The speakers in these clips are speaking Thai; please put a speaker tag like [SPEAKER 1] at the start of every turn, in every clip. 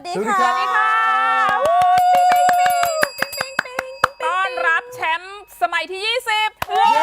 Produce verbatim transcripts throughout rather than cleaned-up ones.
[SPEAKER 1] ดี
[SPEAKER 2] สวัสดี
[SPEAKER 1] ค่ะ
[SPEAKER 2] ค่ะ
[SPEAKER 3] ต้อนรับแชมป์สมัยที่ ยี่สิบ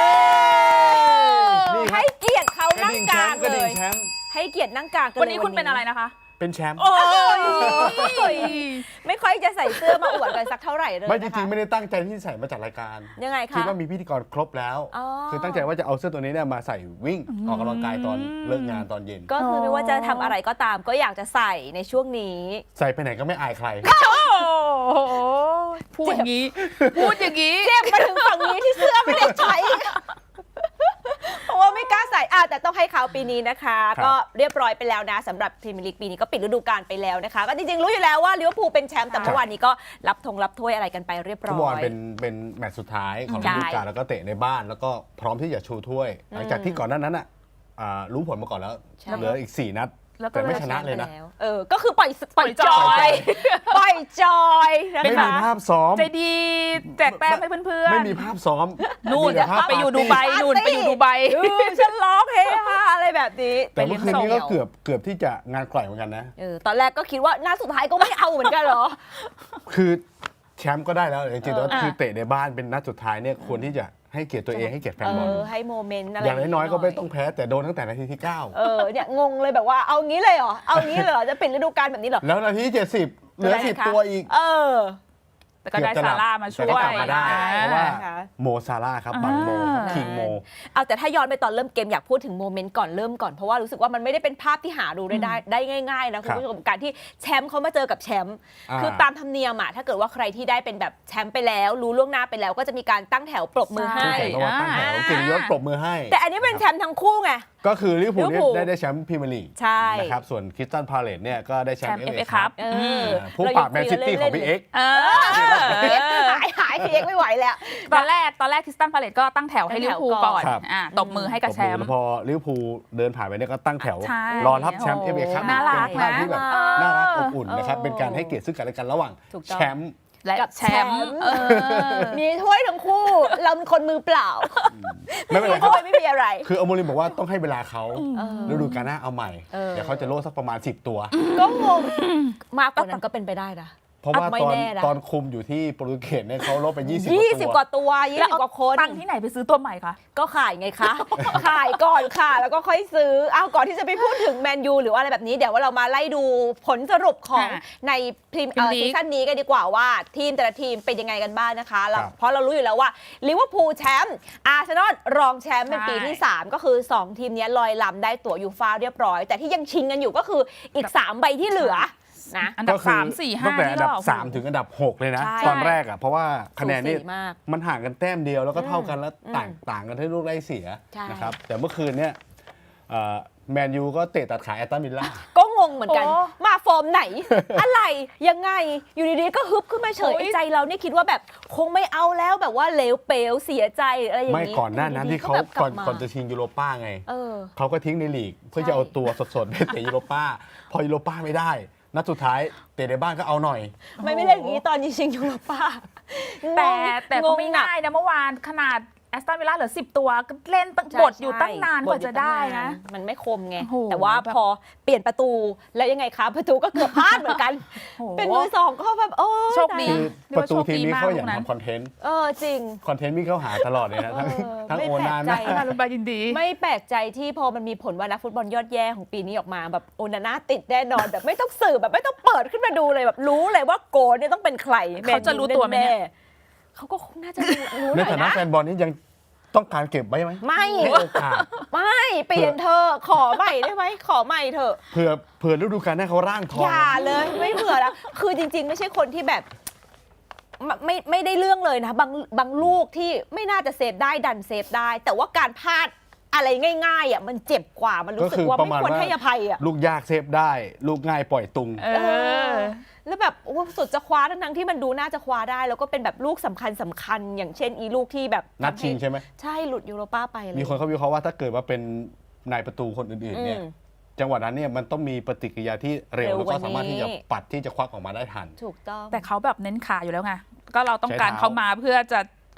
[SPEAKER 2] นี่ครั
[SPEAKER 1] ให้
[SPEAKER 2] บ
[SPEAKER 1] เกียรติเขา
[SPEAKER 2] กระ
[SPEAKER 1] นั่ง
[SPEAKER 2] ดิ่ง
[SPEAKER 1] ก
[SPEAKER 2] แช
[SPEAKER 1] ลาม ง
[SPEAKER 2] ป์กระ
[SPEAKER 1] เล
[SPEAKER 2] ดิ่ง
[SPEAKER 1] ย
[SPEAKER 2] แชมป์
[SPEAKER 1] ให้เกียรตินั่งกลางกัน
[SPEAKER 3] วันนี้คุณเป็นอะไรนะคะ
[SPEAKER 2] เป็นแชมป์
[SPEAKER 3] โอ้ย
[SPEAKER 1] ไม่ค่อยจะใส่เสื้อมาอวดกันสักเท่าไหร่เลย
[SPEAKER 2] ไม่จ
[SPEAKER 1] นะคะ
[SPEAKER 2] ริงๆไม่ได้ตั้งใจที่ใส่มาจัดรายการ
[SPEAKER 1] ยังไง
[SPEAKER 2] คิด
[SPEAKER 1] คะ
[SPEAKER 2] ว่ามีพิธีกรครบแล้ว
[SPEAKER 1] อ๋อ
[SPEAKER 2] คือตั้งใจว่าจะเอาเสื้อตัวนี้เนี่ยมาใส่วิ่งออกกำลังกายตอนเลิกงานตอนเย็น
[SPEAKER 1] ก็คือไม่ว่าจะทำอะไรก็ตามก็อยากจะใส่ในช่วงนี้
[SPEAKER 2] ใส่ไปไหนก็ไม่อายใคร
[SPEAKER 3] โอ้โหพูดอย่างนี้ พูดอย่างนี้
[SPEAKER 1] เจ็บมาถึงฝั่งนี้ที่เสื้อไม่ได้ใช้ เพราะว่าไม่กล้าใส่อ่ะแต่ต้องให้เขาปีนี้นะคะ
[SPEAKER 2] ครับ
[SPEAKER 1] ก็เรียบร้อยไปแล้วนะสำหรับพรีเมียร์ลีกปีนี้ก็ปิดฤดูกาลไปแล้วนะคะ ก็จริงๆรู้อยู่แล้วว่าลิเวอร์พูลเป็นแชมป์แต่เมื่อวานนี้ก็รับธงรับถ้วยอะไรกันไปเรียบร้
[SPEAKER 2] ฟุตบอ
[SPEAKER 1] อ
[SPEAKER 2] ล
[SPEAKER 1] ย
[SPEAKER 2] เป็นเป็นแมตช์สุดท้ายของ
[SPEAKER 1] ใช่
[SPEAKER 2] ฤดูกาลแล้วก็เตะในบ้าน แล้วก็พร้อมที่จะชูถ้วย หลังจากที่ก่อนหน้านั้นอ่ะอ่ารู้ผลมาก่อนแล้ว
[SPEAKER 1] ใช่
[SPEAKER 2] เหลืออีกสี่นัด
[SPEAKER 3] แล้วก็
[SPEAKER 2] แต่ไม่ชนะเลยนะ
[SPEAKER 1] แล้วเออก็คือปล่อยปล่อย
[SPEAKER 3] ปล่
[SPEAKER 1] จ
[SPEAKER 3] อยจ
[SPEAKER 1] อ
[SPEAKER 3] อย ย
[SPEAKER 1] ปล่อยจอยนะ
[SPEAKER 2] ไม่
[SPEAKER 1] คะ
[SPEAKER 2] มีภาพซ้อม
[SPEAKER 3] ใจดีแจกแต้มให้เพื่อนๆ
[SPEAKER 2] ไม่มีภาพซ้อม
[SPEAKER 3] นู่น
[SPEAKER 2] มีแต่ภาพ
[SPEAKER 3] ไปอยู่
[SPEAKER 2] ปาร์ตี้
[SPEAKER 3] ดูไบนู่นไปอยู่ดูไบ
[SPEAKER 1] เออฉันร้องเฮฮาอะไรแบบนี้
[SPEAKER 2] แต่เมื่อคืนนี้ก็
[SPEAKER 1] ไป
[SPEAKER 2] เกือบเกือบที่จะงานกล่อยเหมือนกันนะ
[SPEAKER 1] เออตอนแรกก็คิดว่านัดสุดท้ายก็ไม่เอาเหมือนกันเหรอ
[SPEAKER 2] คือแชมป์ก็ได้แล้วจริงๆแล้ว
[SPEAKER 3] เออ
[SPEAKER 2] คือเตะในบ้านเป็นนัดสุดท้ายเนี่ยควรที่จะให้เกียรติตัวเองให้เกียรติแฟน
[SPEAKER 1] เอบ
[SPEAKER 2] อล
[SPEAKER 1] อให้โมเมนต์อะไร
[SPEAKER 2] อย่างน้อยๆก็ไม่ต้องแพ้แต่โดนตั้งแต่นาทีที่เก้า
[SPEAKER 1] เออเนี่ยงงเลยแบบว่าเอางี้เลยเหรอเอางี้เลยเหรอจะปิดฤดูกาลแบบนี้เหรอ
[SPEAKER 2] แล้วนาทีที่เจ็ดสิบเหลือสิบตัวอีก
[SPEAKER 1] เออ
[SPEAKER 3] แต่ก็ได้ซาร่ามาช่วย
[SPEAKER 2] แต่ก็กลับมาได้
[SPEAKER 1] อ่า
[SPEAKER 2] เพราะว่า
[SPEAKER 1] ค่ะ
[SPEAKER 2] โมซาร่าห์ครับบังโมครับ
[SPEAKER 3] อ่า
[SPEAKER 2] คิงโม
[SPEAKER 1] เอาแต่ถ้าย้อนไปตอนเริ่มเกมอยากพูดถึงโมเมนต์ก่อนเริ่มก่อนเพราะว่ารู้สึกว่ามันไม่ได้เป็นภาพที่หาดูได้ได้ได้ง่ายๆนะคุณผู้ชมการที่แชมป์เขามาเจอกับแชมป์
[SPEAKER 2] อ่า
[SPEAKER 1] คือตามธรรมเนียมอะถ้าเกิดว่าใครที่ได้เป็นแบบแชมป์ไปแล้ว รู้ล่วงหน้าไปแล้วก็จะมีการตั้งแถวปรบมือ
[SPEAKER 3] ใช่
[SPEAKER 1] ให้
[SPEAKER 2] แข่งก็ว่าตั้งแถว
[SPEAKER 1] อ่า
[SPEAKER 2] เกียรติยศปรบมือให้
[SPEAKER 1] แต่อันนี้เป็นแชมป์ทั้งคู่ไง
[SPEAKER 2] ก็คือลิเวอร์พูล
[SPEAKER 1] ลิ
[SPEAKER 2] เนี่ย
[SPEAKER 1] เวอร์พูล
[SPEAKER 2] ได้ได้แชมป์พรีเมียร์ลีก
[SPEAKER 1] ใช่
[SPEAKER 2] นะครับส่วนคริสตันพาเลตเนี่ยก็ได้แชมป์
[SPEAKER 3] แช
[SPEAKER 2] เอ
[SPEAKER 3] มป์
[SPEAKER 2] ฟเอ
[SPEAKER 3] เอฟเอ
[SPEAKER 2] ครับ
[SPEAKER 3] ครับ
[SPEAKER 1] เออ
[SPEAKER 2] ผู้ปราบแมนซิตี้ของพี่เอ็กซ์
[SPEAKER 3] เออ
[SPEAKER 1] หายหายพีเอ็กไม่ไหวแล้ว
[SPEAKER 3] ตอนแรกตอนแรกคริสตันพาเลตก็ตั้งแถวให้ลิเวอร์พูลก่อน
[SPEAKER 2] ครับ
[SPEAKER 3] อ่าตบมือให้กับแชมป์
[SPEAKER 2] แล้วพอลิเวอร์พูลเดินผ่านไปเนี่ยก็ตั้งแถว
[SPEAKER 3] ใช่
[SPEAKER 2] รอรับแชมป์เอฟเอครับ
[SPEAKER 3] น่ารัก
[SPEAKER 2] เป็นภาพที่แบบ
[SPEAKER 1] นะ
[SPEAKER 2] น่ารักอบอุ่นนะครับ
[SPEAKER 1] เออ
[SPEAKER 2] เป็นการให้เกียรติซึ่งกันและกันระหว่าง
[SPEAKER 1] ถูกต้อง
[SPEAKER 2] แชมป์
[SPEAKER 3] และ
[SPEAKER 1] กับ
[SPEAKER 3] แช
[SPEAKER 1] แช
[SPEAKER 3] ม
[SPEAKER 1] ม
[SPEAKER 3] ป์
[SPEAKER 1] ป์
[SPEAKER 3] เออ
[SPEAKER 1] มีถ้วยทั้งคู่ เราเป็นคนมือเปล่า
[SPEAKER 2] ไม่เป็นไรค
[SPEAKER 1] ถ้
[SPEAKER 2] รับ
[SPEAKER 1] วยไม่มีอะไร
[SPEAKER 2] คืออโมริมบอกว่าต้องให้เวลาเขา
[SPEAKER 1] เออ
[SPEAKER 2] ฤดูกาลหน้าเอาใหม่
[SPEAKER 1] เออ
[SPEAKER 2] เดี๋ยวเขาจะโล่สักประมาณสิบตัว
[SPEAKER 1] ก็งงมากกว่านั้นก็เป็นไปได้นะ
[SPEAKER 2] เพราะว่า
[SPEAKER 1] ไม่
[SPEAKER 2] ตอน
[SPEAKER 1] แน่นะ
[SPEAKER 2] ตอนคุมอยู่ที่โปรตุเกสเนี่ยเขาลบไปยี่สิบ
[SPEAKER 1] ยี่สิบ
[SPEAKER 2] ก
[SPEAKER 1] ก
[SPEAKER 2] ว่าตัว
[SPEAKER 1] ว่าตัวยี่
[SPEAKER 3] แล้ว
[SPEAKER 1] สิบ
[SPEAKER 3] เอา
[SPEAKER 1] กว่าคน
[SPEAKER 3] ตังค์ที่ไหนไปซื้อตัวใหม่คะ
[SPEAKER 1] ก็ขายไงคะ ขายก่อนค่ะ แล้วก็ค่อยซื้ออ้าวก่อนที่จะไปพูดถึงแมนยูหรือว่าอะไรแบบนี้ เดี๋ยวว่าเรามาไล่ดูผลสรุปของ
[SPEAKER 3] อ่ะ
[SPEAKER 1] ในพรีมเอ่อ
[SPEAKER 3] Premier League
[SPEAKER 1] ซีซั่นนี้กันดีกว่าว่าทีมแต่ละทีมเป็นยังไงกันบ้างนะคะเรา
[SPEAKER 2] ครับ
[SPEAKER 1] เพราะเรารู้อยู่แล้วว่าลิเวอร์พูลแชมป์อาร์เซนอลรองแชมป์เป็นปีที่
[SPEAKER 3] ใช่
[SPEAKER 1] สามก็คือ สอง ทีมเนี้ยลอยลำได้ตั๋วยูฟ่าเรียบร้อย แต่ที่ยังชิงกันอยู่ก็คืออีก สาม ใบที่เหลือนะ
[SPEAKER 3] อันดับ
[SPEAKER 2] ก็คือ
[SPEAKER 3] สามสี่ห้า
[SPEAKER 2] ตั้งแต่อันดับ
[SPEAKER 3] นี่ก็
[SPEAKER 2] สามถึงอันดับหกเลยนะ
[SPEAKER 1] ใช่
[SPEAKER 2] ตอนแรกอ่ะเพราะว่าคะแนนนี่
[SPEAKER 1] สูสีมาก
[SPEAKER 2] มันห่างกันแต้มเดียวแล้วก็เท่ากันแล้ว
[SPEAKER 1] อืม
[SPEAKER 2] ต่างต่างกันที่ลูกได้เสีย
[SPEAKER 1] ใช่
[SPEAKER 2] นะครับแต่เมื่อคืนเนี่ยแมนยูก็เตะตัดขาแอตตันวิลล่า
[SPEAKER 1] ก็งงเหมือนกัน
[SPEAKER 3] โอ้
[SPEAKER 1] มาฟอร์มไหน อะไรยังไงอยู่ดีๆก็ฮึบขึ้นมาเฉย
[SPEAKER 3] โอ้ย
[SPEAKER 1] ไอ้ใจเรานี่คิดว่าแบบคงไม่เอาแล้วแบบว่าเหลวเปลวเสียใจอะไรอย่าง
[SPEAKER 2] ไม่
[SPEAKER 1] นี้
[SPEAKER 2] ก่อนหน้านั้น
[SPEAKER 1] ยู่ดีๆ
[SPEAKER 2] ที่เขา
[SPEAKER 1] แบบก
[SPEAKER 2] ก่
[SPEAKER 1] ลั
[SPEAKER 2] อน
[SPEAKER 1] บมา
[SPEAKER 2] ก่อนจะชิงยูโรป้าไง
[SPEAKER 1] เออ
[SPEAKER 2] เขาก็ทิ้งในลีก เพื่อ
[SPEAKER 1] ใช่
[SPEAKER 2] จะเอาตัวสดๆไปเตะยูโรป้า พอยูโรป้าไม่ได้ นัดสุดท้ายเตะในบ้านก็เอาหน่อย
[SPEAKER 1] ไม่ไม่เล่นอย่างนี้ตอนนี้ชิงยูโรป้า
[SPEAKER 3] แต่แต่ก็
[SPEAKER 1] งง
[SPEAKER 3] ไม่
[SPEAKER 1] หนัก
[SPEAKER 3] ง่ายนะเมื่อวานขนาดแอสตันวิลล่าเหลือสิบตัวก็เล่นตั้ง
[SPEAKER 1] ใช่
[SPEAKER 3] บทอยู่ตั้งนาน
[SPEAKER 1] ใช่
[SPEAKER 3] กว่าจะได้นะ
[SPEAKER 1] มันไม่คมไง
[SPEAKER 3] โอ้โห
[SPEAKER 1] แต่ว่า
[SPEAKER 3] แบบ
[SPEAKER 1] พอเปลี่ยนประตูแล้วยังไงคะประตูก็เกือบพลาดเหมือนกัน
[SPEAKER 3] โอ้โห
[SPEAKER 1] เป็นมือสองก็แบบโอ้ย
[SPEAKER 3] โชคดี
[SPEAKER 1] ตาย
[SPEAKER 2] คือประตูทีมนี้เขาอยาก
[SPEAKER 3] เรียกว่าโชคดีมากลูกนั้น
[SPEAKER 2] ทำคอนเทนต์
[SPEAKER 1] เออจริง
[SPEAKER 2] คอนเทนต์วิ่งเข้าหาตลอดเลยนะ ทั้ง
[SPEAKER 1] เออ
[SPEAKER 2] ทั้ง
[SPEAKER 1] ไม่
[SPEAKER 2] โอนาน
[SPEAKER 1] แปล
[SPEAKER 2] นะ
[SPEAKER 1] กใจ
[SPEAKER 3] มาลุนบายินดี
[SPEAKER 1] ไม่แปลกใจที่พอมันมีผลว่านักฟุตบอลยอดแย่ของปีนี้ออกมาแบบโอนาน่าติดแน่นอนแบบไม่ต้องสืบแบบไม่ต้องเปิดขึ้นมาดูเลยแบบรู้เลยว่าโกลเนี่ยต้องเป็นใคร
[SPEAKER 3] เขาจะรู้ตัวไหมเนี่ย
[SPEAKER 1] แๆเขาก็คงน่าจะรู้รู้ห
[SPEAKER 2] ใน
[SPEAKER 1] น่อย
[SPEAKER 2] ฐานะ
[SPEAKER 1] นะ
[SPEAKER 2] แฟนบอลนี่ยังต้องการเก็บไว้ไหม
[SPEAKER 1] ไม่
[SPEAKER 2] ให้โอกาส
[SPEAKER 1] ไม่เปลี่ยนเธอะขอใหม่ได้ไหมขอใหม่เถอะ
[SPEAKER 2] เผื่อเผื่อฤดูกาลหน้าเขาร่างทอง
[SPEAKER 1] อย่าเลยไม่เผื่อแล้วคือจริง ๆ ไม่ใช่คนที่แบบไม่ไม่ไม่ได้เรื่องเลยนะบางบางลูกที่ไม่น่าจะเซฟได้ดันเซฟได้ แต่ว่าการพลาดอะไรง่ายๆอ่ะมันเจ็บกว่ามันรู้สึกว่าไม่ควรให้อภัยอ่ะ
[SPEAKER 2] ลูกยากเซฟได้ ลูกง่ายปล่อยตุง
[SPEAKER 3] เออ
[SPEAKER 1] แล้วแบบโอ้สุดจะคว้าทั้งๆที่มันดูน่าจะคว้าได้ แล้วก็เป็นแบบลูกสำคัญสำคัญ อย่างเช่นอีลูกที่แบบ
[SPEAKER 2] นัดชิงใช่ไหม
[SPEAKER 1] ใช่หลุดยูโรป้าไปเลย
[SPEAKER 2] มีคนเขาวิเคราะห์ว่าถ้าเกิดว่าเป็นนายประตูคนอื่นๆเนี่ย
[SPEAKER 1] อืม
[SPEAKER 2] จังหวะนั้นเนี่ยมันต้องมีปฏิกิริยาที่เร็ว
[SPEAKER 1] เร็ว
[SPEAKER 2] แล้วก็สามารถที่จะ
[SPEAKER 1] กว่านี้
[SPEAKER 2] ปัดที่จะควักออกมาได้ทัน
[SPEAKER 1] ถูกต้อง
[SPEAKER 3] แต่เขาแบบเน้นขาอยู่แล้วไง ก็เราต้องการ
[SPEAKER 2] ใช้เท้า
[SPEAKER 3] เขามาเพื่อจะ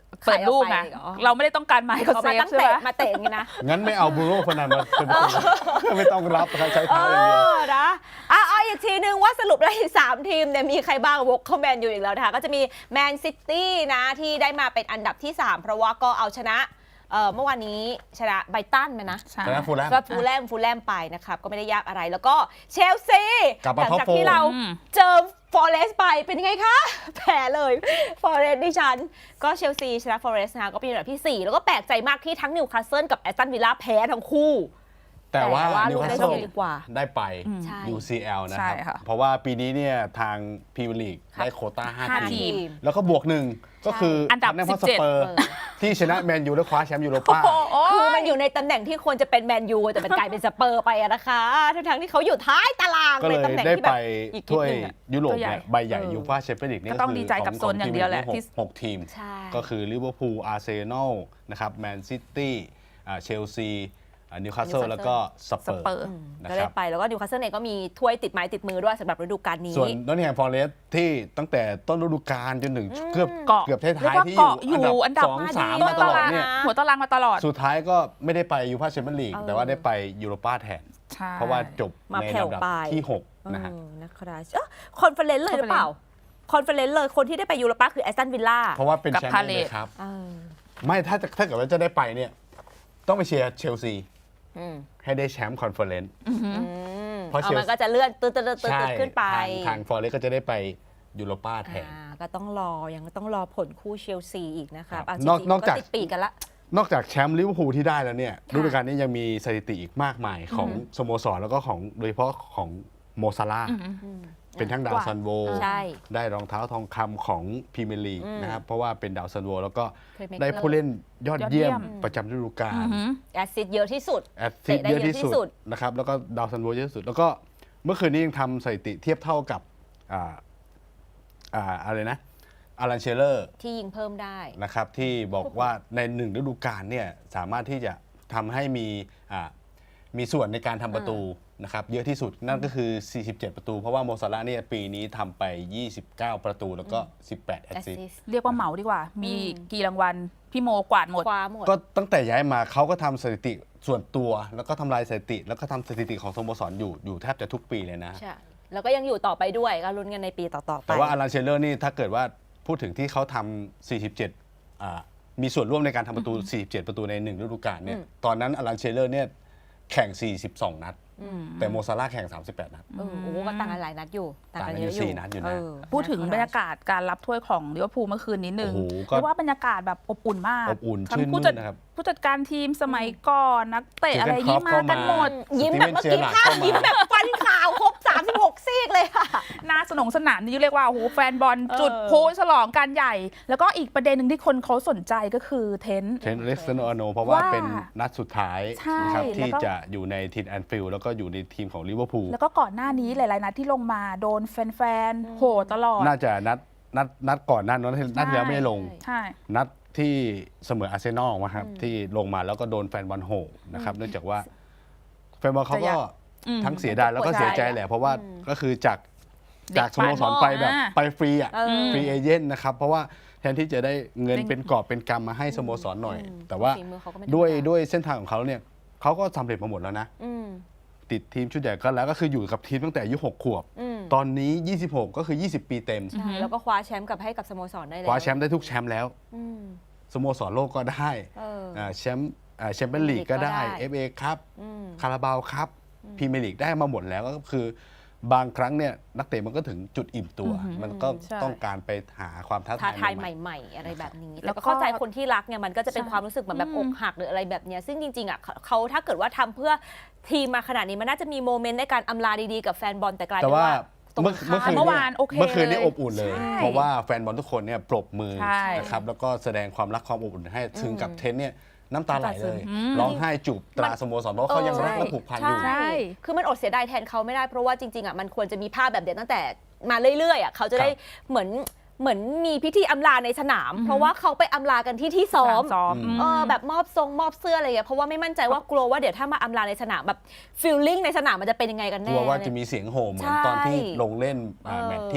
[SPEAKER 3] เปิดลูกนะ
[SPEAKER 1] ขายออกไปเหรอ
[SPEAKER 3] เราไม่ได้ต้องการไม้เขา
[SPEAKER 1] เขา
[SPEAKER 3] เซ
[SPEAKER 1] มา
[SPEAKER 3] ฟ
[SPEAKER 1] ตั้ง
[SPEAKER 3] ใช่ไห
[SPEAKER 1] เตะ
[SPEAKER 3] ม
[SPEAKER 1] มาเตะอย่างนี้นะ
[SPEAKER 2] งั้นไม่เอาบรูโน่เฟอร์นันเดสเป็นประตูไม่ต้องรับนะครับใช้
[SPEAKER 1] เอ
[SPEAKER 2] เท้าอย่างเดียว
[SPEAKER 1] อนะอ่ะเอาอีกทีนึงว่าสรุปแล้วอีกสามทีมเนี่ยมีใครบ้างวกเข้าแมนยูอีกแล้วนะคะก็จะมีแมนซิตี้นะที่ได้มาเป็นอันดับที่สามเพราะว่าก็เอาชนะเอ่อเมื่อวานนี้ชนะไบรตันไหมนะ
[SPEAKER 3] ใช่
[SPEAKER 2] ชนะฟูลแลม
[SPEAKER 1] ก็ฟูลแลมฟูลแลมไปนะครับก็ไม่ได้ยากอะไรแล้วก็เชลซี
[SPEAKER 2] กลับ
[SPEAKER 1] ห
[SPEAKER 2] มา
[SPEAKER 1] ลั
[SPEAKER 2] ท็อป
[SPEAKER 1] จาก
[SPEAKER 2] โฟร์
[SPEAKER 1] ที่เรา
[SPEAKER 3] อืม
[SPEAKER 1] เจอฟอเรสต์ไปเป็นยังไงคะ แพ้เลยฟอเรสต์ดิฉัน ก็เชลซีชนะฟอเรสต์นะคะก็เป็นอันดับที่สี่แล้วก็แปลกใจมากที่ทั้งนิวคาสเซิลกับแอสตันวิลล่าแพ้ทั้งคู่
[SPEAKER 2] แต่ว่า
[SPEAKER 1] แต่ว่า
[SPEAKER 2] นิวคาส
[SPEAKER 1] ลูกได้
[SPEAKER 2] เซิล
[SPEAKER 1] เสียดีกว่า
[SPEAKER 2] ได้ไป
[SPEAKER 1] ใช่
[SPEAKER 2] ยู ซี แอล นะค
[SPEAKER 3] ใช่
[SPEAKER 2] รับ
[SPEAKER 3] ค่ะ
[SPEAKER 2] เพราะว่าปีนี้เนี่ยทางพรีเมียร์ลีก
[SPEAKER 1] ครับ
[SPEAKER 2] ได้โควต้าห้า
[SPEAKER 3] ห้า
[SPEAKER 2] ที
[SPEAKER 3] ที
[SPEAKER 2] ม
[SPEAKER 3] ม
[SPEAKER 2] แล้วก็บวกหนึ่งก็คือ
[SPEAKER 3] อั
[SPEAKER 2] อั
[SPEAKER 3] นดับ
[SPEAKER 2] พอร์
[SPEAKER 3] สิ
[SPEAKER 2] ส
[SPEAKER 3] บเจ็ด
[SPEAKER 2] เปอร์
[SPEAKER 1] เออ
[SPEAKER 2] ที่ชนะแมนยูและคว้าแชมป์ยูโรป้า
[SPEAKER 1] คือมันอยู่ในตำแหน่งที่ควรจะเป็นแมนยูแต่มันกลายเป็นสเปอร์ไปอะนะคะทั้งๆที่เขาอยู่ท้ายตาราง
[SPEAKER 2] ก็
[SPEAKER 1] ใน
[SPEAKER 2] เลย
[SPEAKER 1] ตำแหน่ง
[SPEAKER 2] ได้
[SPEAKER 1] ที่แบ
[SPEAKER 2] ไป
[SPEAKER 1] บอีกนิด
[SPEAKER 2] ถ้วย
[SPEAKER 1] นึงอะ
[SPEAKER 2] ยุโรป
[SPEAKER 3] ตัวใหญ่
[SPEAKER 2] เนี่ยใบใหญ่
[SPEAKER 1] เออ
[SPEAKER 2] ยูฟ่าแชมเปี้ยนลีกนี่
[SPEAKER 3] ก็
[SPEAKER 2] ก็
[SPEAKER 3] ต้อง
[SPEAKER 2] คือ
[SPEAKER 3] ดีใจกับ
[SPEAKER 2] ข
[SPEAKER 3] โซนอย่างเดียวแหละ
[SPEAKER 2] ข
[SPEAKER 3] ที่
[SPEAKER 2] หกทีม
[SPEAKER 1] ใช่
[SPEAKER 2] ก็คือลิเวอร์พูลอาร์เซนอลนะครับแมนซิตี้เชลซีนิวคาสเซิล
[SPEAKER 1] Newcastle
[SPEAKER 2] แล้วก็สเปอ
[SPEAKER 3] สเปอร์
[SPEAKER 2] ร์
[SPEAKER 1] อืม
[SPEAKER 2] นะ
[SPEAKER 1] ก็
[SPEAKER 2] ค
[SPEAKER 1] ได้
[SPEAKER 2] รับ
[SPEAKER 1] ไปแล้วก็นิวคาสเซิลเองก็มีถ้วยติดไม้ติดมือด้วยสำหรับฤดูกาลนี้
[SPEAKER 2] ส่วนนอตติงแฮมฟอเรสต์ที่ตั้งแต่ต้นฤดูกาลจนถึงเกือบ
[SPEAKER 3] เกาะ
[SPEAKER 2] เกือบท้ายๆที่
[SPEAKER 3] เรียกว่าเกาะอยู่
[SPEAKER 2] อยู่
[SPEAKER 3] อั
[SPEAKER 2] อั
[SPEAKER 3] น
[SPEAKER 2] น
[SPEAKER 3] ดั
[SPEAKER 2] ดั
[SPEAKER 3] บบ
[SPEAKER 2] สอง
[SPEAKER 1] มา
[SPEAKER 2] สาม
[SPEAKER 1] ดี
[SPEAKER 2] มาตลอดเนี่ย
[SPEAKER 1] นะ
[SPEAKER 3] หัวตารางมาตลอด
[SPEAKER 2] สุดท้ายก็ไม่ได้ไปยูฟ่าแชมเปี้ยนลีก
[SPEAKER 1] เออ
[SPEAKER 2] แต่ว่าได้ไปยูโรป้าแทน
[SPEAKER 3] ใช่
[SPEAKER 2] เพราะว่าจบ
[SPEAKER 1] มา
[SPEAKER 2] ใน
[SPEAKER 1] แผ่ว
[SPEAKER 2] ลำดับ
[SPEAKER 1] ไป
[SPEAKER 2] ที่หกนะฮะ
[SPEAKER 1] เออนะครับเอ้อคอนเฟอเรนซ์เลยหรือเปล่า คอนเฟอเรนซ์เลยคนที่ได้ไปยูโรป้าคือแอสตันวิลล่า
[SPEAKER 2] เพราะว่าเป็น
[SPEAKER 3] กับ
[SPEAKER 2] แชมป์
[SPEAKER 3] พาเล
[SPEAKER 2] เล
[SPEAKER 3] ท
[SPEAKER 2] ยครับ
[SPEAKER 1] เออ
[SPEAKER 2] ไม่ถ้าจะถ้าเกิดว่าจะได้ไปเนี่ยต้องไปเชียร์เชลซี
[SPEAKER 1] อืม
[SPEAKER 2] ให้ได้แชมป์คอนเฟอเรนซ์
[SPEAKER 1] อืม
[SPEAKER 2] เพราะ
[SPEAKER 1] เอา
[SPEAKER 2] เชล
[SPEAKER 1] มันก็จะเลื่อนตืดตืดตืดตื
[SPEAKER 2] ใช่
[SPEAKER 1] ดขึ้นไป
[SPEAKER 2] ทางทางฟอเรสต์ก็จะได้ไปยูโรป้าแทน
[SPEAKER 1] อ่าก็ต้องรอยังต้องรอผลคู่เชลซีอีกนะครับ
[SPEAKER 2] ครับ
[SPEAKER 1] อ่ะ
[SPEAKER 2] นอก
[SPEAKER 1] จริงๆ
[SPEAKER 2] นอกจาก
[SPEAKER 1] ติดปีกกันละ
[SPEAKER 2] นอกจากแชมป์ลิเวอร์พูลที่ได้แล้วเนี่ย
[SPEAKER 1] ค่ะ
[SPEAKER 2] ฤดูกาลนี้ยังมีสถิติอีกมากมายของสโมสรแล้วก็ของโดยเฉพาะของโมซาลาห์
[SPEAKER 3] อืม
[SPEAKER 1] อืม
[SPEAKER 2] เป็นทั้งดาวซันโว
[SPEAKER 1] ใช่
[SPEAKER 2] ได้รองเท้าทองคำของพรีเมียร์ลีก
[SPEAKER 1] อืม
[SPEAKER 2] นะครับเพราะว่าเป็นดาวซันโวแล้วก็
[SPEAKER 1] Playmaker
[SPEAKER 2] ได้ผู้เล่นยอดเยี่ยม
[SPEAKER 3] ยอดเยี่ยม
[SPEAKER 2] ประจำฤดูกา
[SPEAKER 3] อื
[SPEAKER 2] ล
[SPEAKER 3] อหือ
[SPEAKER 1] แอสซิสต์เยอะที่สุด
[SPEAKER 2] แอดซิส
[SPEAKER 1] เตะได้
[SPEAKER 2] เยอะที่
[SPEAKER 1] เยอะที่
[SPEAKER 2] สุ
[SPEAKER 1] สุ
[SPEAKER 2] ด
[SPEAKER 1] ด
[SPEAKER 2] นะครับแล้วก็ดาวซันโวเยอะที่สุด แล้วก็เมื่อคืนนี้ยังทำสถิติเทียบเท่ากับอ่าอ่าอะไรนะอารันเชลเลอร์
[SPEAKER 1] ที่ยิงเพิ่มได้
[SPEAKER 2] นะครับที่บอกว่าในหนึ่งฤดูกาลเนี่ยสามารถที่จะทำให้มีอ่ามีส่วนในการทำประตูนะครับเยอะที่สุดนั่นก็คือ สี่สิบเจ็ด ประตู เพราะว่าโมซาลาห์เนี่ยปีนี้ทำไป ยี่สิบเก้า ประตูแล้วก็ สิบแปด แอ
[SPEAKER 1] แอ
[SPEAKER 2] ส
[SPEAKER 1] ส
[SPEAKER 2] ซิส
[SPEAKER 1] ซิ
[SPEAKER 2] ต์
[SPEAKER 1] สต์
[SPEAKER 3] เรียกว่าเหมาดีกว่า มีกี่รางวัล พี่โมกวาดหมด
[SPEAKER 1] คว้าหมด
[SPEAKER 2] ก็ตั้งแต่ย้ายมาเขาก็ทำสถิติส่วนตัว แล้วก็ทำลายสถิติ แล้วก็ทำสถิติของสโมสรอยู่อยู่แทบจะทุกปีเลยนะ
[SPEAKER 1] ใช่ แล้วก็ยังอยู่ต่อไปด้วยก็ลุ้นกันในปีต่อๆไป
[SPEAKER 2] แต่ว่าอารันเชลเลอร์นี่ถ้าเกิดว่าพูดถึงที่เขาทำ สี่สิบเจ็ด อ่ามีส่วนร่วมในการทำประตู สี่สิบเจ็ด ประตูในหนึ่งฤดูกาลเนี่ย
[SPEAKER 1] อืม
[SPEAKER 2] ตอนนั้นอารันเชลเลอร์เนี่ยแข่ง สี่สิบสอง นัด
[SPEAKER 1] อืม
[SPEAKER 2] แต่โมซาลาห์แข่ง สามสิบแปด นัด
[SPEAKER 1] เออโอ้โหก็ต่างกันหลายนัดอยู่ต่างกันเยอะ
[SPEAKER 2] ต่างกันอยู่สี่นัดอยู่นะ
[SPEAKER 1] เออ
[SPEAKER 3] พูดถึงบรรยากาศการรับถ้วยของลิเวอร์พูลเมื่อคืนนิดนึง
[SPEAKER 2] โอ้โหก็
[SPEAKER 3] เรียกว่าบรรยากาศแบบอบอุ่นมาก
[SPEAKER 2] อบอุ่น
[SPEAKER 3] ทั้ง
[SPEAKER 2] ชื่น
[SPEAKER 3] ผู้
[SPEAKER 2] มื่
[SPEAKER 3] จัด
[SPEAKER 2] นนะครับ
[SPEAKER 3] ผู้จัดการทีมสมัยก่อนนักเตะ
[SPEAKER 2] เจอกัน
[SPEAKER 3] อะไรอย่างนี้
[SPEAKER 2] ครอป
[SPEAKER 3] มากัน
[SPEAKER 2] เข้ามา
[SPEAKER 3] หมด
[SPEAKER 1] ยิ้มแบบเมื่อกี้
[SPEAKER 2] สตีเวนเจอร์ราร์ด
[SPEAKER 1] ภาพ
[SPEAKER 2] เข้ามายิ้
[SPEAKER 1] ยิ้มแบบฟันขาวครบสามสิบหกซีกเลยค่ะ
[SPEAKER 3] หน้าสนองสนามนี่เรียกว่าโอ้โหแฟนบอล
[SPEAKER 1] เออ
[SPEAKER 3] จุดพลุฉลองการใหญ่ แล้วก็อีกประเด็นหนึ่งที่คนเขาสนใจก็คือเทนต์
[SPEAKER 2] เทนเล็กซ์โนอาโนเพราะว่า
[SPEAKER 3] ว่า
[SPEAKER 2] เป็นนัดสุดท้าย
[SPEAKER 3] ใช่
[SPEAKER 2] นะครับ
[SPEAKER 3] แล้ว
[SPEAKER 2] ที่
[SPEAKER 3] ก็
[SPEAKER 2] จะอยู่ในทีมแอนฟิลด์แล้วก็อยู่ในทีมของลิเวอร์พูล
[SPEAKER 3] แล้วก็ก่อนหน้านี้หลายๆนัดที่ลงมาโดนแฟนๆโหตลอด
[SPEAKER 2] น่าจะนัดนัดนัดก่อนหนั้นนัดนัดที่แล้วไม่ได้ลง
[SPEAKER 3] ใช่
[SPEAKER 2] นัดที่เสมออาร์เซนอลมาครับที่ลงมาแล้วก็โดนแฟนบอลโหนะครับเนื่องจากว่าแฟนบอลเขา
[SPEAKER 3] จะอ
[SPEAKER 2] ก็
[SPEAKER 3] ยาก อืม
[SPEAKER 2] ทั้งเสียดายแล้วก็เสียใจแหละ เพราะว่า
[SPEAKER 1] อืม
[SPEAKER 2] ก็คือจาก
[SPEAKER 3] เด็ก
[SPEAKER 2] จากสโมสรไปแบบ
[SPEAKER 3] อ่า
[SPEAKER 2] ไปฟรีอ่ะ
[SPEAKER 1] เออ
[SPEAKER 2] ฟรีเอเจนต์นะครับ เพราะว่าแทนที่จะได้เงิน
[SPEAKER 3] เป็น
[SPEAKER 2] เป็นกอบเป็นกำมาให้สโมสรหน่อย
[SPEAKER 1] อืม
[SPEAKER 2] แต่ว่า
[SPEAKER 1] ฝีมือเขาก็ไม่ธรรมดา
[SPEAKER 2] ด้วยด้วยเส้นทางของเขาเนี่ยเขาก็สำเร็จมาหมดแล้วนะ
[SPEAKER 1] อืม
[SPEAKER 2] ติดทีมชุดใหญ่ก็แล้วก็คืออยู่กับทีมตั้งแต่อายุหกขวบ
[SPEAKER 1] อืม
[SPEAKER 2] ตอนนี้ ยี่สิบหก ก็คือ ยี่สิบ ปีเต็ม
[SPEAKER 1] ใช่แล้วก็คว้าแชมป์กลับให้กับสโมสรได้แล้ว
[SPEAKER 2] คว้าแชมป์ได้ทุกแชมป์แล้ว
[SPEAKER 1] อืม
[SPEAKER 2] สโมสรโลกก็ได้
[SPEAKER 1] เออ
[SPEAKER 2] อ่าแชมป์อ่าแชมเปี้ยนลีกก็ได้
[SPEAKER 1] ก็ได้
[SPEAKER 2] เอฟ เอ ครับ
[SPEAKER 1] อืม
[SPEAKER 2] คาราบาวครับพรีเมียร์ลีกได้มาหมดแล้วก็คือบางครั้งเนี่ยนักเตะมันก็ถึงจุดอิ่มตัว
[SPEAKER 3] อือหือ
[SPEAKER 2] มันก็
[SPEAKER 3] ใช่
[SPEAKER 2] ต้องการไปหาความท้า
[SPEAKER 1] ท้า
[SPEAKER 2] ทาย
[SPEAKER 1] ทาย
[SPEAKER 2] ให
[SPEAKER 1] ใ
[SPEAKER 2] ม่
[SPEAKER 1] หม่ ๆ อะไรแบบนี้
[SPEAKER 3] แล้
[SPEAKER 1] แล้ว
[SPEAKER 3] วก็
[SPEAKER 1] ก็เข้าใจคนที่รักเนี่ยมันก็จะเป็น
[SPEAKER 3] ใช่
[SPEAKER 1] ความรู้สึกเหมือนแบบ
[SPEAKER 3] อื
[SPEAKER 1] อ
[SPEAKER 3] ม
[SPEAKER 1] กหักหรืออะไรแบบเนี้ยซึ่งจริงๆอ่ะเขาเขาถ้าเกิดว่าทำเพื่อทีมมาขนาดนี้มันน่าจะมีโมเมนต์ในการอำลาดีๆกับแฟนบอลแต่กลาย
[SPEAKER 2] ๆแต่
[SPEAKER 1] เป็น
[SPEAKER 2] ว่า
[SPEAKER 1] ว่าตรง
[SPEAKER 2] เมื่อ
[SPEAKER 1] ข้าม
[SPEAKER 2] เมื่อคืน
[SPEAKER 3] เมื่อ
[SPEAKER 2] เนี่
[SPEAKER 3] วาย นโอเค
[SPEAKER 2] เมื่อคืนนี้
[SPEAKER 3] เลย
[SPEAKER 2] อบอุ่นเลย
[SPEAKER 3] ใช่
[SPEAKER 2] เพราะว่าแฟนบอลทุกคนเนี่ยปรบมือ
[SPEAKER 3] ใช่
[SPEAKER 2] นะครับแล้วก็แสดงความรักความอบอุ่นให้ถึงกับเทนเนี่ยน้ำตาไหลเลย
[SPEAKER 3] อืม
[SPEAKER 2] ร้องไห้จูบตราสโมสรเพราะเขายังรัก
[SPEAKER 1] เออ
[SPEAKER 2] และผูกพันอยู่
[SPEAKER 1] ใช่ คือมันอดเสียดายแทนเขาไม่ได้เพราะว่าจริงๆอ่ะมันควรจะมีภาพแบบเดียวตั้งแต่มาเรื่อยๆอ่ะเขาจะได้เหมือนเหมือนมีพิธีอำลาในสนาม เพราะว่าเขาไปอำลากันที่ที่ซ้อม
[SPEAKER 3] ซ้อม
[SPEAKER 2] อืม
[SPEAKER 1] เออแบบมอบทรงมอบเสื้ออะไรอย่างเงี้ยเพราะว่าไม่มั่นใจว่ากลัวว่าเดี๋ยวถ้ามาอำลาในสนามแบบฟีลลิ่งในสนามมันจะเป็นยังไงกัน
[SPEAKER 2] ก
[SPEAKER 1] แน่
[SPEAKER 2] ลัวว่าจะมีเสียงโห่เหมือน
[SPEAKER 1] ใช่
[SPEAKER 2] ตอนที่ลงเล่นอ่า
[SPEAKER 1] เออ
[SPEAKER 2] แมตช์ที่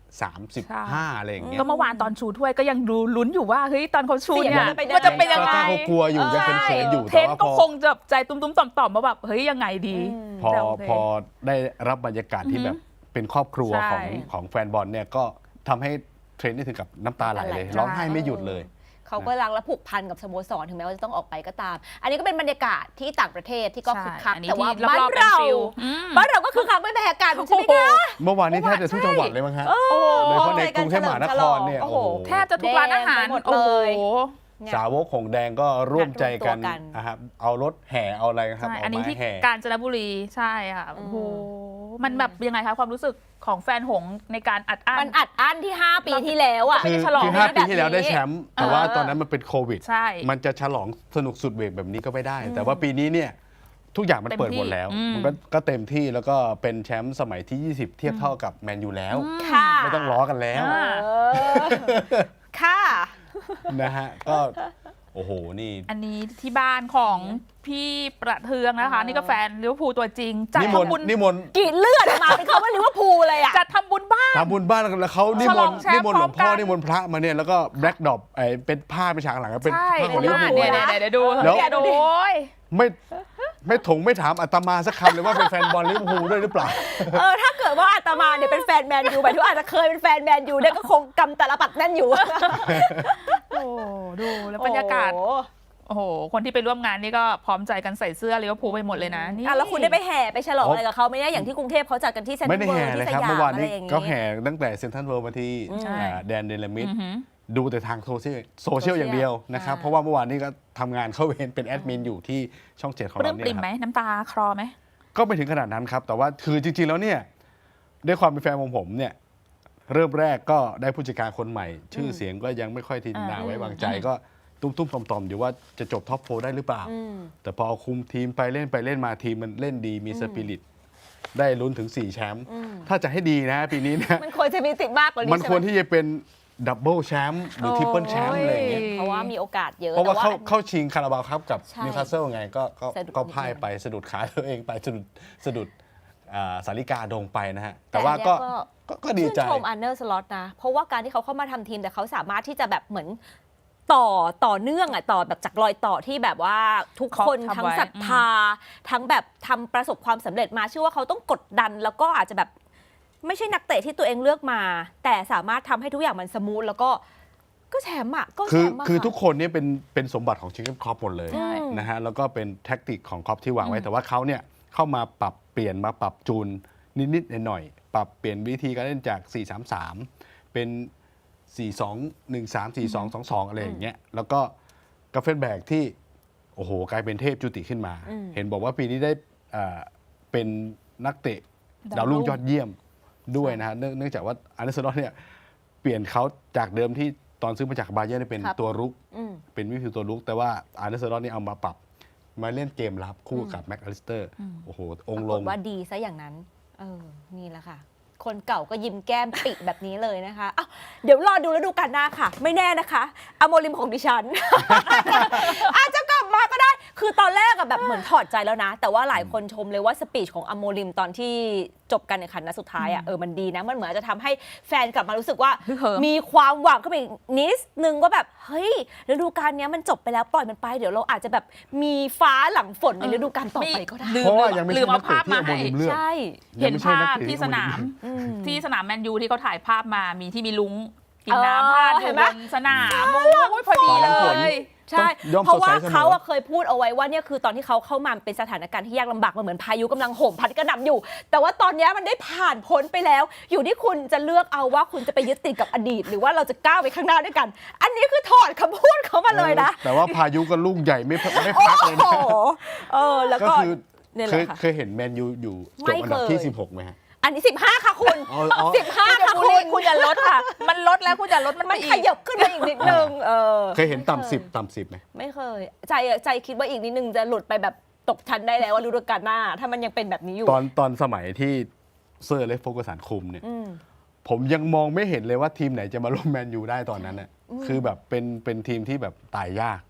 [SPEAKER 2] สามสิบห้าอะไรอย่างเงี้ย
[SPEAKER 3] ก็เมื่อวานตอนชูถ้วยก็ยังดูลุ้นอยู่ว่าเฮ้ยตอนเขาชูเนี่ย
[SPEAKER 1] เสียงมันจะเป็นยังไง
[SPEAKER 3] มันจะเป็นยังไง
[SPEAKER 2] ก็เขากลัวอยู่ยังเขินๆอยู่
[SPEAKER 3] เท
[SPEAKER 2] แต่
[SPEAKER 3] น
[SPEAKER 2] ว่า
[SPEAKER 3] ก็
[SPEAKER 2] พอ
[SPEAKER 3] คงจะใจตุ้มๆต่อมๆมาแบบเฮ้ยยังไงดี
[SPEAKER 2] พอ
[SPEAKER 3] แต่โอเค
[SPEAKER 2] พอได้รับบรรยากาศที่แบบเป็นครอบครัว
[SPEAKER 3] ใช่
[SPEAKER 2] ของของแฟนบอลเนี่ยก็ทำให้เทรนนี่ถึงกับน้ำตาไหลเลย
[SPEAKER 1] น้ำตาไหล
[SPEAKER 2] ร้องไห้ไม่หยุดเลย
[SPEAKER 1] เขาก็รักและผูกพันกับสโมสรถึงแม้ว่าจะต้องออกไปก็ตาม อันนี้ก็เป็นบรรยากาศที่ต่างประเทศที่ก็คึกคัก
[SPEAKER 3] ใช่อันนี้
[SPEAKER 1] แต่ว่า
[SPEAKER 3] ที่
[SPEAKER 1] บ้าน
[SPEAKER 3] รอบๆเป็น
[SPEAKER 1] เรา
[SPEAKER 3] ฟิลอืม
[SPEAKER 1] บ้านเราก็คือคักไม่แพ้กันใช่ไหมคะ
[SPEAKER 2] เมื่อวานนี้แทบจะทุกจังหวัดเลยมั้งฮะ
[SPEAKER 1] โอ้โห
[SPEAKER 2] โดยเฉพาะในกรุงเทพมหานครเนี่ย
[SPEAKER 1] โอ้
[SPEAKER 2] โอ้
[SPEAKER 1] โห
[SPEAKER 2] โห
[SPEAKER 3] แทบจะทุกร้านอาหาร
[SPEAKER 1] แดงไปหมด
[SPEAKER 3] โอ้
[SPEAKER 1] เลย
[SPEAKER 3] โห
[SPEAKER 1] เนี่ย
[SPEAKER 2] สาวกของแดงก็ร่วมใจกัน
[SPEAKER 1] นัดรวมตัวกัน
[SPEAKER 2] นะครับเอารถแห่เอาอะไรครับ
[SPEAKER 3] ใช่
[SPEAKER 2] เอา
[SPEAKER 3] อันนี้
[SPEAKER 2] ไม้
[SPEAKER 3] ที่
[SPEAKER 2] แห่
[SPEAKER 3] กาญจนบุรีใช่ค่ะโอ้โห
[SPEAKER 1] อื
[SPEAKER 3] มันแบบยังไงคะความรู้สึกของแฟนหงส์ในการอัดอั้น
[SPEAKER 1] มันอัดอั้นที่ ห้า ปีที่แล้วอ่ะ
[SPEAKER 2] คือ
[SPEAKER 3] ฉลอง
[SPEAKER 2] คือห้า
[SPEAKER 1] แบบ
[SPEAKER 2] ปีที่แล้วได้แชมป์แต่ว่า
[SPEAKER 1] เออ
[SPEAKER 2] ตอนนั้นมันเป็นโควิด
[SPEAKER 3] ใช่
[SPEAKER 2] มันจะฉลองสนุกสุดเบรกแบบนี้ก็ไม่ได้ แต่ว่าปีนี้เนี่ยทุกอย่างมัน
[SPEAKER 3] เต็ม
[SPEAKER 2] เปิด
[SPEAKER 3] ที่
[SPEAKER 2] หมดแล้ว
[SPEAKER 3] อืม
[SPEAKER 2] มันก็ก็เต็มที่แล้วก็เป็นแชมป์สมัยที่ ยี่สิบ เทียบเท่ากับแมนยูแล้ว
[SPEAKER 1] ค่ะ
[SPEAKER 2] ไม่ต้องล้อกันแล้ว
[SPEAKER 3] อ่า
[SPEAKER 1] เออค่ะ
[SPEAKER 2] นะฮะก็โอ้โหนี่
[SPEAKER 3] อันนี้ที่บ้านของพี่ประเทืองนะคะ
[SPEAKER 1] เออ
[SPEAKER 3] นี่ก็แฟนลิเวอร์พูลตัวจริงจัด
[SPEAKER 2] นิมนต์
[SPEAKER 3] ทำบุญ
[SPEAKER 2] นิมนต์
[SPEAKER 1] กรีดเลือดออกมาเป็นเขาว่าลิเวอร์พูลเลยอ่ะ
[SPEAKER 3] จัดทำบุญบ้าน
[SPEAKER 2] ทำบุญบ้านแล้วเขานิ
[SPEAKER 3] ฉ
[SPEAKER 2] ม
[SPEAKER 3] ล
[SPEAKER 2] น
[SPEAKER 3] อง
[SPEAKER 2] ต์
[SPEAKER 3] แชมป์
[SPEAKER 2] นิมนต์หลวงพ่อ
[SPEAKER 3] พร้อมกัน
[SPEAKER 2] นิมนต์พระมาเนี่ยแล้วก็แบล็กดอปไอ้เป็นผ้าเป็นฉากหลังเป็น
[SPEAKER 3] ใช่
[SPEAKER 2] ผ้าของ
[SPEAKER 3] เป็
[SPEAKER 2] ลิ
[SPEAKER 3] น
[SPEAKER 2] เวอร์
[SPEAKER 3] บ้าน
[SPEAKER 2] พูล
[SPEAKER 3] เนี่ยเนี่ยเดี๋ยวดู
[SPEAKER 2] แล้ว
[SPEAKER 3] เนี่ยดูโอ้ย
[SPEAKER 2] ไม่ไม่ถงไม่ถามอาตมาสักคำเลยว่าเป็นแฟนบอลลิเวอร์พูลด้วยหรือเปล่า
[SPEAKER 1] เออถ้าเกิดว่าอาตมาเนี่ยเป็นแฟนแมนยูหมายถึงว่าอาจจะเคยเป็นแฟนแมนยูเนี่ยก็คงกำตาลปัดแน่นอยู่
[SPEAKER 3] โอ้ดูแล้วบรรยากาศ
[SPEAKER 1] โอ้โห
[SPEAKER 3] โอ้โห คนที่ไปร่วมงานนี่ก็พร้อมใจกันใส่เสื้อลิเวอร์พูลไปหมดเลยนะนี่
[SPEAKER 1] อ่ะแล้วคุณได้ไปแห่ไปฉลอง
[SPEAKER 2] อ๋ออ
[SPEAKER 1] อะไรกับเขาไหมเนี่ยอย่างที่กรุงเทพเขาจัดกันที่เซ็นทรั
[SPEAKER 2] ไม่
[SPEAKER 1] ล
[SPEAKER 2] ได้
[SPEAKER 1] เวิ
[SPEAKER 2] แห่
[SPEAKER 1] ลด์
[SPEAKER 2] เลย
[SPEAKER 1] ที่ส
[SPEAKER 2] ครับ
[SPEAKER 1] ยาม
[SPEAKER 2] เมื่อวาน
[SPEAKER 1] อะไร
[SPEAKER 2] นี้
[SPEAKER 1] อย่างงี้
[SPEAKER 2] ก็แห่ตั้งแต่เซ็นทรัลเวิลด์มาที่
[SPEAKER 1] ใช่
[SPEAKER 2] อ่าแดนเดลมิด
[SPEAKER 3] อือหือ
[SPEAKER 2] ดูแต่ทางโซเชียลโซเชียลอย่างเดียวนะครับ
[SPEAKER 1] อ่า
[SPEAKER 2] เพราะว่าเมื่อวานนี้ก็ทำงานเข้าเวรเป็นแอดมินอยู่ที่ช่องเจ็ดของ
[SPEAKER 3] ปลื้
[SPEAKER 2] เรา
[SPEAKER 3] ม
[SPEAKER 2] เนี่
[SPEAKER 3] ปริ่
[SPEAKER 2] ย
[SPEAKER 3] ม
[SPEAKER 2] ค
[SPEAKER 3] ไหม
[SPEAKER 2] รับ
[SPEAKER 3] น้ำตาคลอไหม
[SPEAKER 2] ก็ไม่ถึงขนาดนั้นครับ แต่ว่าคือจริง ๆ แล้วเนี่ยด้วยความเป็นแฟนของผมเนี่ยเริ่มแรกก็ได้ผู้จัดการคนใหม่ ชื่อเสียงก็ยังไม่ค่อยทีน่าไว้วางใจก็ตุ้มๆต่อมๆอยู่ว่าจะจบท็อปโฟร์ได้หรือเปล่า
[SPEAKER 1] อืม
[SPEAKER 2] แต่พอเอาคุมทีมไปเล่นไปเล่นมาทีมมันเล่นดีมีสปิริตได้ลุ้นถึงสี่แชมป์
[SPEAKER 1] อืม
[SPEAKER 2] ถ้าจะให้ดีนะปีนี้นะ
[SPEAKER 1] มันควรจะมีติดมากกว่านี้
[SPEAKER 2] มัน
[SPEAKER 1] ใช่
[SPEAKER 2] ควร
[SPEAKER 1] ไหม
[SPEAKER 2] ที่จะเป็นดับเบิลแชมป์หรือทริปเปิลแชมป์อะไรอย่างเงี้ย
[SPEAKER 1] เพราะว่ามีโอกาสเยอะ
[SPEAKER 2] เพราะว่า
[SPEAKER 1] แต่
[SPEAKER 2] เข้า
[SPEAKER 1] อัน
[SPEAKER 2] เข้าชิงคาราบาวครับกับ
[SPEAKER 1] ใช่
[SPEAKER 2] นิวคาสเซิลไงก็ก็
[SPEAKER 1] สะดุด
[SPEAKER 2] ก็
[SPEAKER 1] นิด
[SPEAKER 2] พ่าย
[SPEAKER 1] เดียว
[SPEAKER 2] ไปสะดุดขาตัวเองไปสะดุดสะดุดอ่าสาริกาโดงไปนะฮะ แต่
[SPEAKER 1] แต่
[SPEAKER 2] ว่า
[SPEAKER 1] อัน
[SPEAKER 2] ก็
[SPEAKER 1] เนี้ย
[SPEAKER 2] ก็ก็ดีใจ
[SPEAKER 1] ชื่นชมอันเนอร์สล็อตนะ เพราะว่าการที่เขาเข้ามาทำทีมแต่เขาสามารถที่จะแบบเหมือนต่อต่อเนื่องอ่ะต่อแบบจากรอยต่อที่แบบว่าทุกคน
[SPEAKER 3] เขาทำ
[SPEAKER 1] ทั้ง
[SPEAKER 3] ไว้
[SPEAKER 1] ศรัทธา ทั้งแบบทำประสบความสำเร็จมาเชื่อว่าเขาต้องกดดัน แล้วก็อาจจะแบบไม่ใช่นักเตะที่ตัวเองเลือกมา แต่สามารถทำให้ทุกอย่างมันสมูทแล้วก็ก็แชมป์อ่ะก็แช
[SPEAKER 2] คือ
[SPEAKER 1] มป์อะ
[SPEAKER 2] คือ
[SPEAKER 1] ค่ะ
[SPEAKER 2] ทุกคนเนี่ยเป็นเป็นสมบัติของชิคเก้นครอปหมดเลย
[SPEAKER 3] ใช่
[SPEAKER 2] นะฮะแล้วก็เป็นแท็กติกของครอปที่วางไว้
[SPEAKER 3] อืม
[SPEAKER 2] แต่ว่าเขาเนี่ยเข้ามาปรับเปลี่ยนมาปรับจูนนิดๆหน่อยๆปรับเปลี่ยนวิธีการเล่นจาก สี่ สาม สาม เป็น สี่ สอง หนึ่ง สาม สี่ สอง สอง สอง อะไรอย่างเงี้ยแล้วก็กาเฟนแบกที่โอ้โหกลายเป็นเทพจุติขึ้นมา
[SPEAKER 1] อืม
[SPEAKER 2] เห็นบอกว่าปีนี้ได้อ่าเป็นนักเตะ
[SPEAKER 3] ดา
[SPEAKER 2] ดาว ว
[SPEAKER 3] รุ่
[SPEAKER 2] รุ่
[SPEAKER 3] ง
[SPEAKER 2] งยอดเยี่ยมด้วยนะฮะเนื่องเนื่องจากว่าอาร์เนสโลอตเนี่ยเปลี่ยนเขาจากเดิมที่ตอนซื้อมาจากบาเยิร์นเนี่ยเป็น
[SPEAKER 1] ครับ
[SPEAKER 2] ตัวรุก
[SPEAKER 1] อืม
[SPEAKER 2] เป็นวิธีตัวลุกแต่ว่าอาร์เนสโลอตนี่เอามาปรับ มาเล่นเกมรับคู่กับแม็กอลิสเตอร์ โอ้โห องค์
[SPEAKER 1] ป
[SPEAKER 2] ล
[SPEAKER 1] ราง กฏว่าดีซะอย่างนั้น เออ นี่แหละค่ะ คนเก่าก็ยิ้มแก้มปิแบบนี้เลยนะคะอ้าวเดี๋ยวรอดูแล้วดูกันหน้าค่ะ ไม่แน่นะคะอโมริมของดิฉัน อาจจะกลับมาก็ได้ คือตอนแรกอะแบบเหมือนถอดใจแล้วนะ แต่ว่าหลายคนชมเลยว่าสปีชของอโมริมตอนที่จบการแข่งขันนัดสุดท้ายอะเออ มันดีนะ มันเหมือนจะทำให้แฟนกลับมารู้สึกว่า
[SPEAKER 3] ฮึกเหิม
[SPEAKER 1] มีความหวังขึ้นมาอีกนิดนึงว่าแบบ เฮ้ยฤดูกาลเนี้ยมันจบไปแล้วปล่อยมันไป เดี๋ยวเราอาจจะแบบมีฟ้าหลังฝนในฤดูกาลต่อไปก็ได้
[SPEAKER 3] ลืม
[SPEAKER 2] เพราะว่ายังไม่
[SPEAKER 3] ลื
[SPEAKER 2] ใช่
[SPEAKER 3] ม
[SPEAKER 2] นั
[SPEAKER 3] เอา
[SPEAKER 2] กเตะ
[SPEAKER 3] ภาพ
[SPEAKER 2] ที่
[SPEAKER 3] มา
[SPEAKER 2] อโม
[SPEAKER 3] ให้
[SPEAKER 2] ริมเลือก
[SPEAKER 1] ใช่
[SPEAKER 3] เห็น
[SPEAKER 2] ยังไม่ใช่
[SPEAKER 3] ภา
[SPEAKER 2] นัก
[SPEAKER 3] พ
[SPEAKER 2] เตะ
[SPEAKER 3] ที่สนาม
[SPEAKER 1] อืม
[SPEAKER 3] ที่สนามแมนยูที่เขาถ่ายภาพมามีที่มีลุงกิน
[SPEAKER 1] เออ
[SPEAKER 3] น้ำพาดอ
[SPEAKER 1] เห็
[SPEAKER 3] ยู่
[SPEAKER 1] นไหม
[SPEAKER 3] บนสนามโอ้ยพอดี
[SPEAKER 2] ฟ้าห
[SPEAKER 3] เล
[SPEAKER 2] ลังฝน
[SPEAKER 3] ย
[SPEAKER 1] ใช่
[SPEAKER 2] ย่อม
[SPEAKER 1] เพราะว่า
[SPEAKER 2] สดใสเสมอ
[SPEAKER 1] เขาอะเคยพูดเอาไว้ว่าเนี่ยคือตอนที่เขาเข้ามาเป็นสถานการณ์ที่ยากลำบากมันเหมือนพายุกำลังโหมพัดกระหน่ำอยู่ แต่ว่าตอนเนี้ยมันได้ผ่านพ้นไปแล้ว อยู่ที่คุณจะเลือกเอาว่าคุณจะไปยึดติดกับอดีต หรือว่าเราจะก้าวไปข้างหน้าด้วยกัน อันนี้คือถอดคำพูดเขามาเลยนะ
[SPEAKER 2] แต่ว่าพายุก็ลูกใหญ่ไม่พักไม่พักเลย
[SPEAKER 1] โอ้
[SPEAKER 2] นะ
[SPEAKER 1] โหเออแล้ว
[SPEAKER 2] ก็
[SPEAKER 1] ก็
[SPEAKER 2] คือ
[SPEAKER 1] เนี่ยแห
[SPEAKER 2] เคย
[SPEAKER 1] ละค่ะ
[SPEAKER 2] เคยเห็นแมนยูอยู่จ
[SPEAKER 1] ไม่
[SPEAKER 2] บอันดับที่
[SPEAKER 1] เคย
[SPEAKER 2] สิบหกไหมฮะ
[SPEAKER 1] อันนี้สิบห้าค่ะคุณ
[SPEAKER 2] อ๋ออ๋อ
[SPEAKER 1] สิบห้า
[SPEAKER 3] คุณจะ
[SPEAKER 1] ค่ะ
[SPEAKER 3] บูล
[SPEAKER 1] คุ
[SPEAKER 3] ลี่
[SPEAKER 1] ณ
[SPEAKER 3] คุณอย่าลดค่ะ มันลดแล้วคุณอย่าลดมันไป
[SPEAKER 1] มัน
[SPEAKER 3] อี
[SPEAKER 1] ข
[SPEAKER 3] ก
[SPEAKER 1] ยับขึ้นมาอีกนิดนึงเออ
[SPEAKER 2] เคยเห็นต่ำสิบต่ำสิบไหม
[SPEAKER 1] ไม่เคย ใจอะใจคิดว่าอีกนิดนึงจะหลุดไปแบบตกชั้นได้แล้วว่าฤดูกาลหน้า ถ้ามันยังเป็นแบบนี้อยู่
[SPEAKER 2] ตอนตอนสมัยที่เซอร์เล็กโฟกัสันคุมเนี่ย
[SPEAKER 1] อืม
[SPEAKER 2] ผมยังมองไม่เห็นเลยว่าทีมไหนจะมาร่วมแมนยูได้ตอนนั้นน่ะคือแบบเป็นเป็นทีมที่แบบตายยาก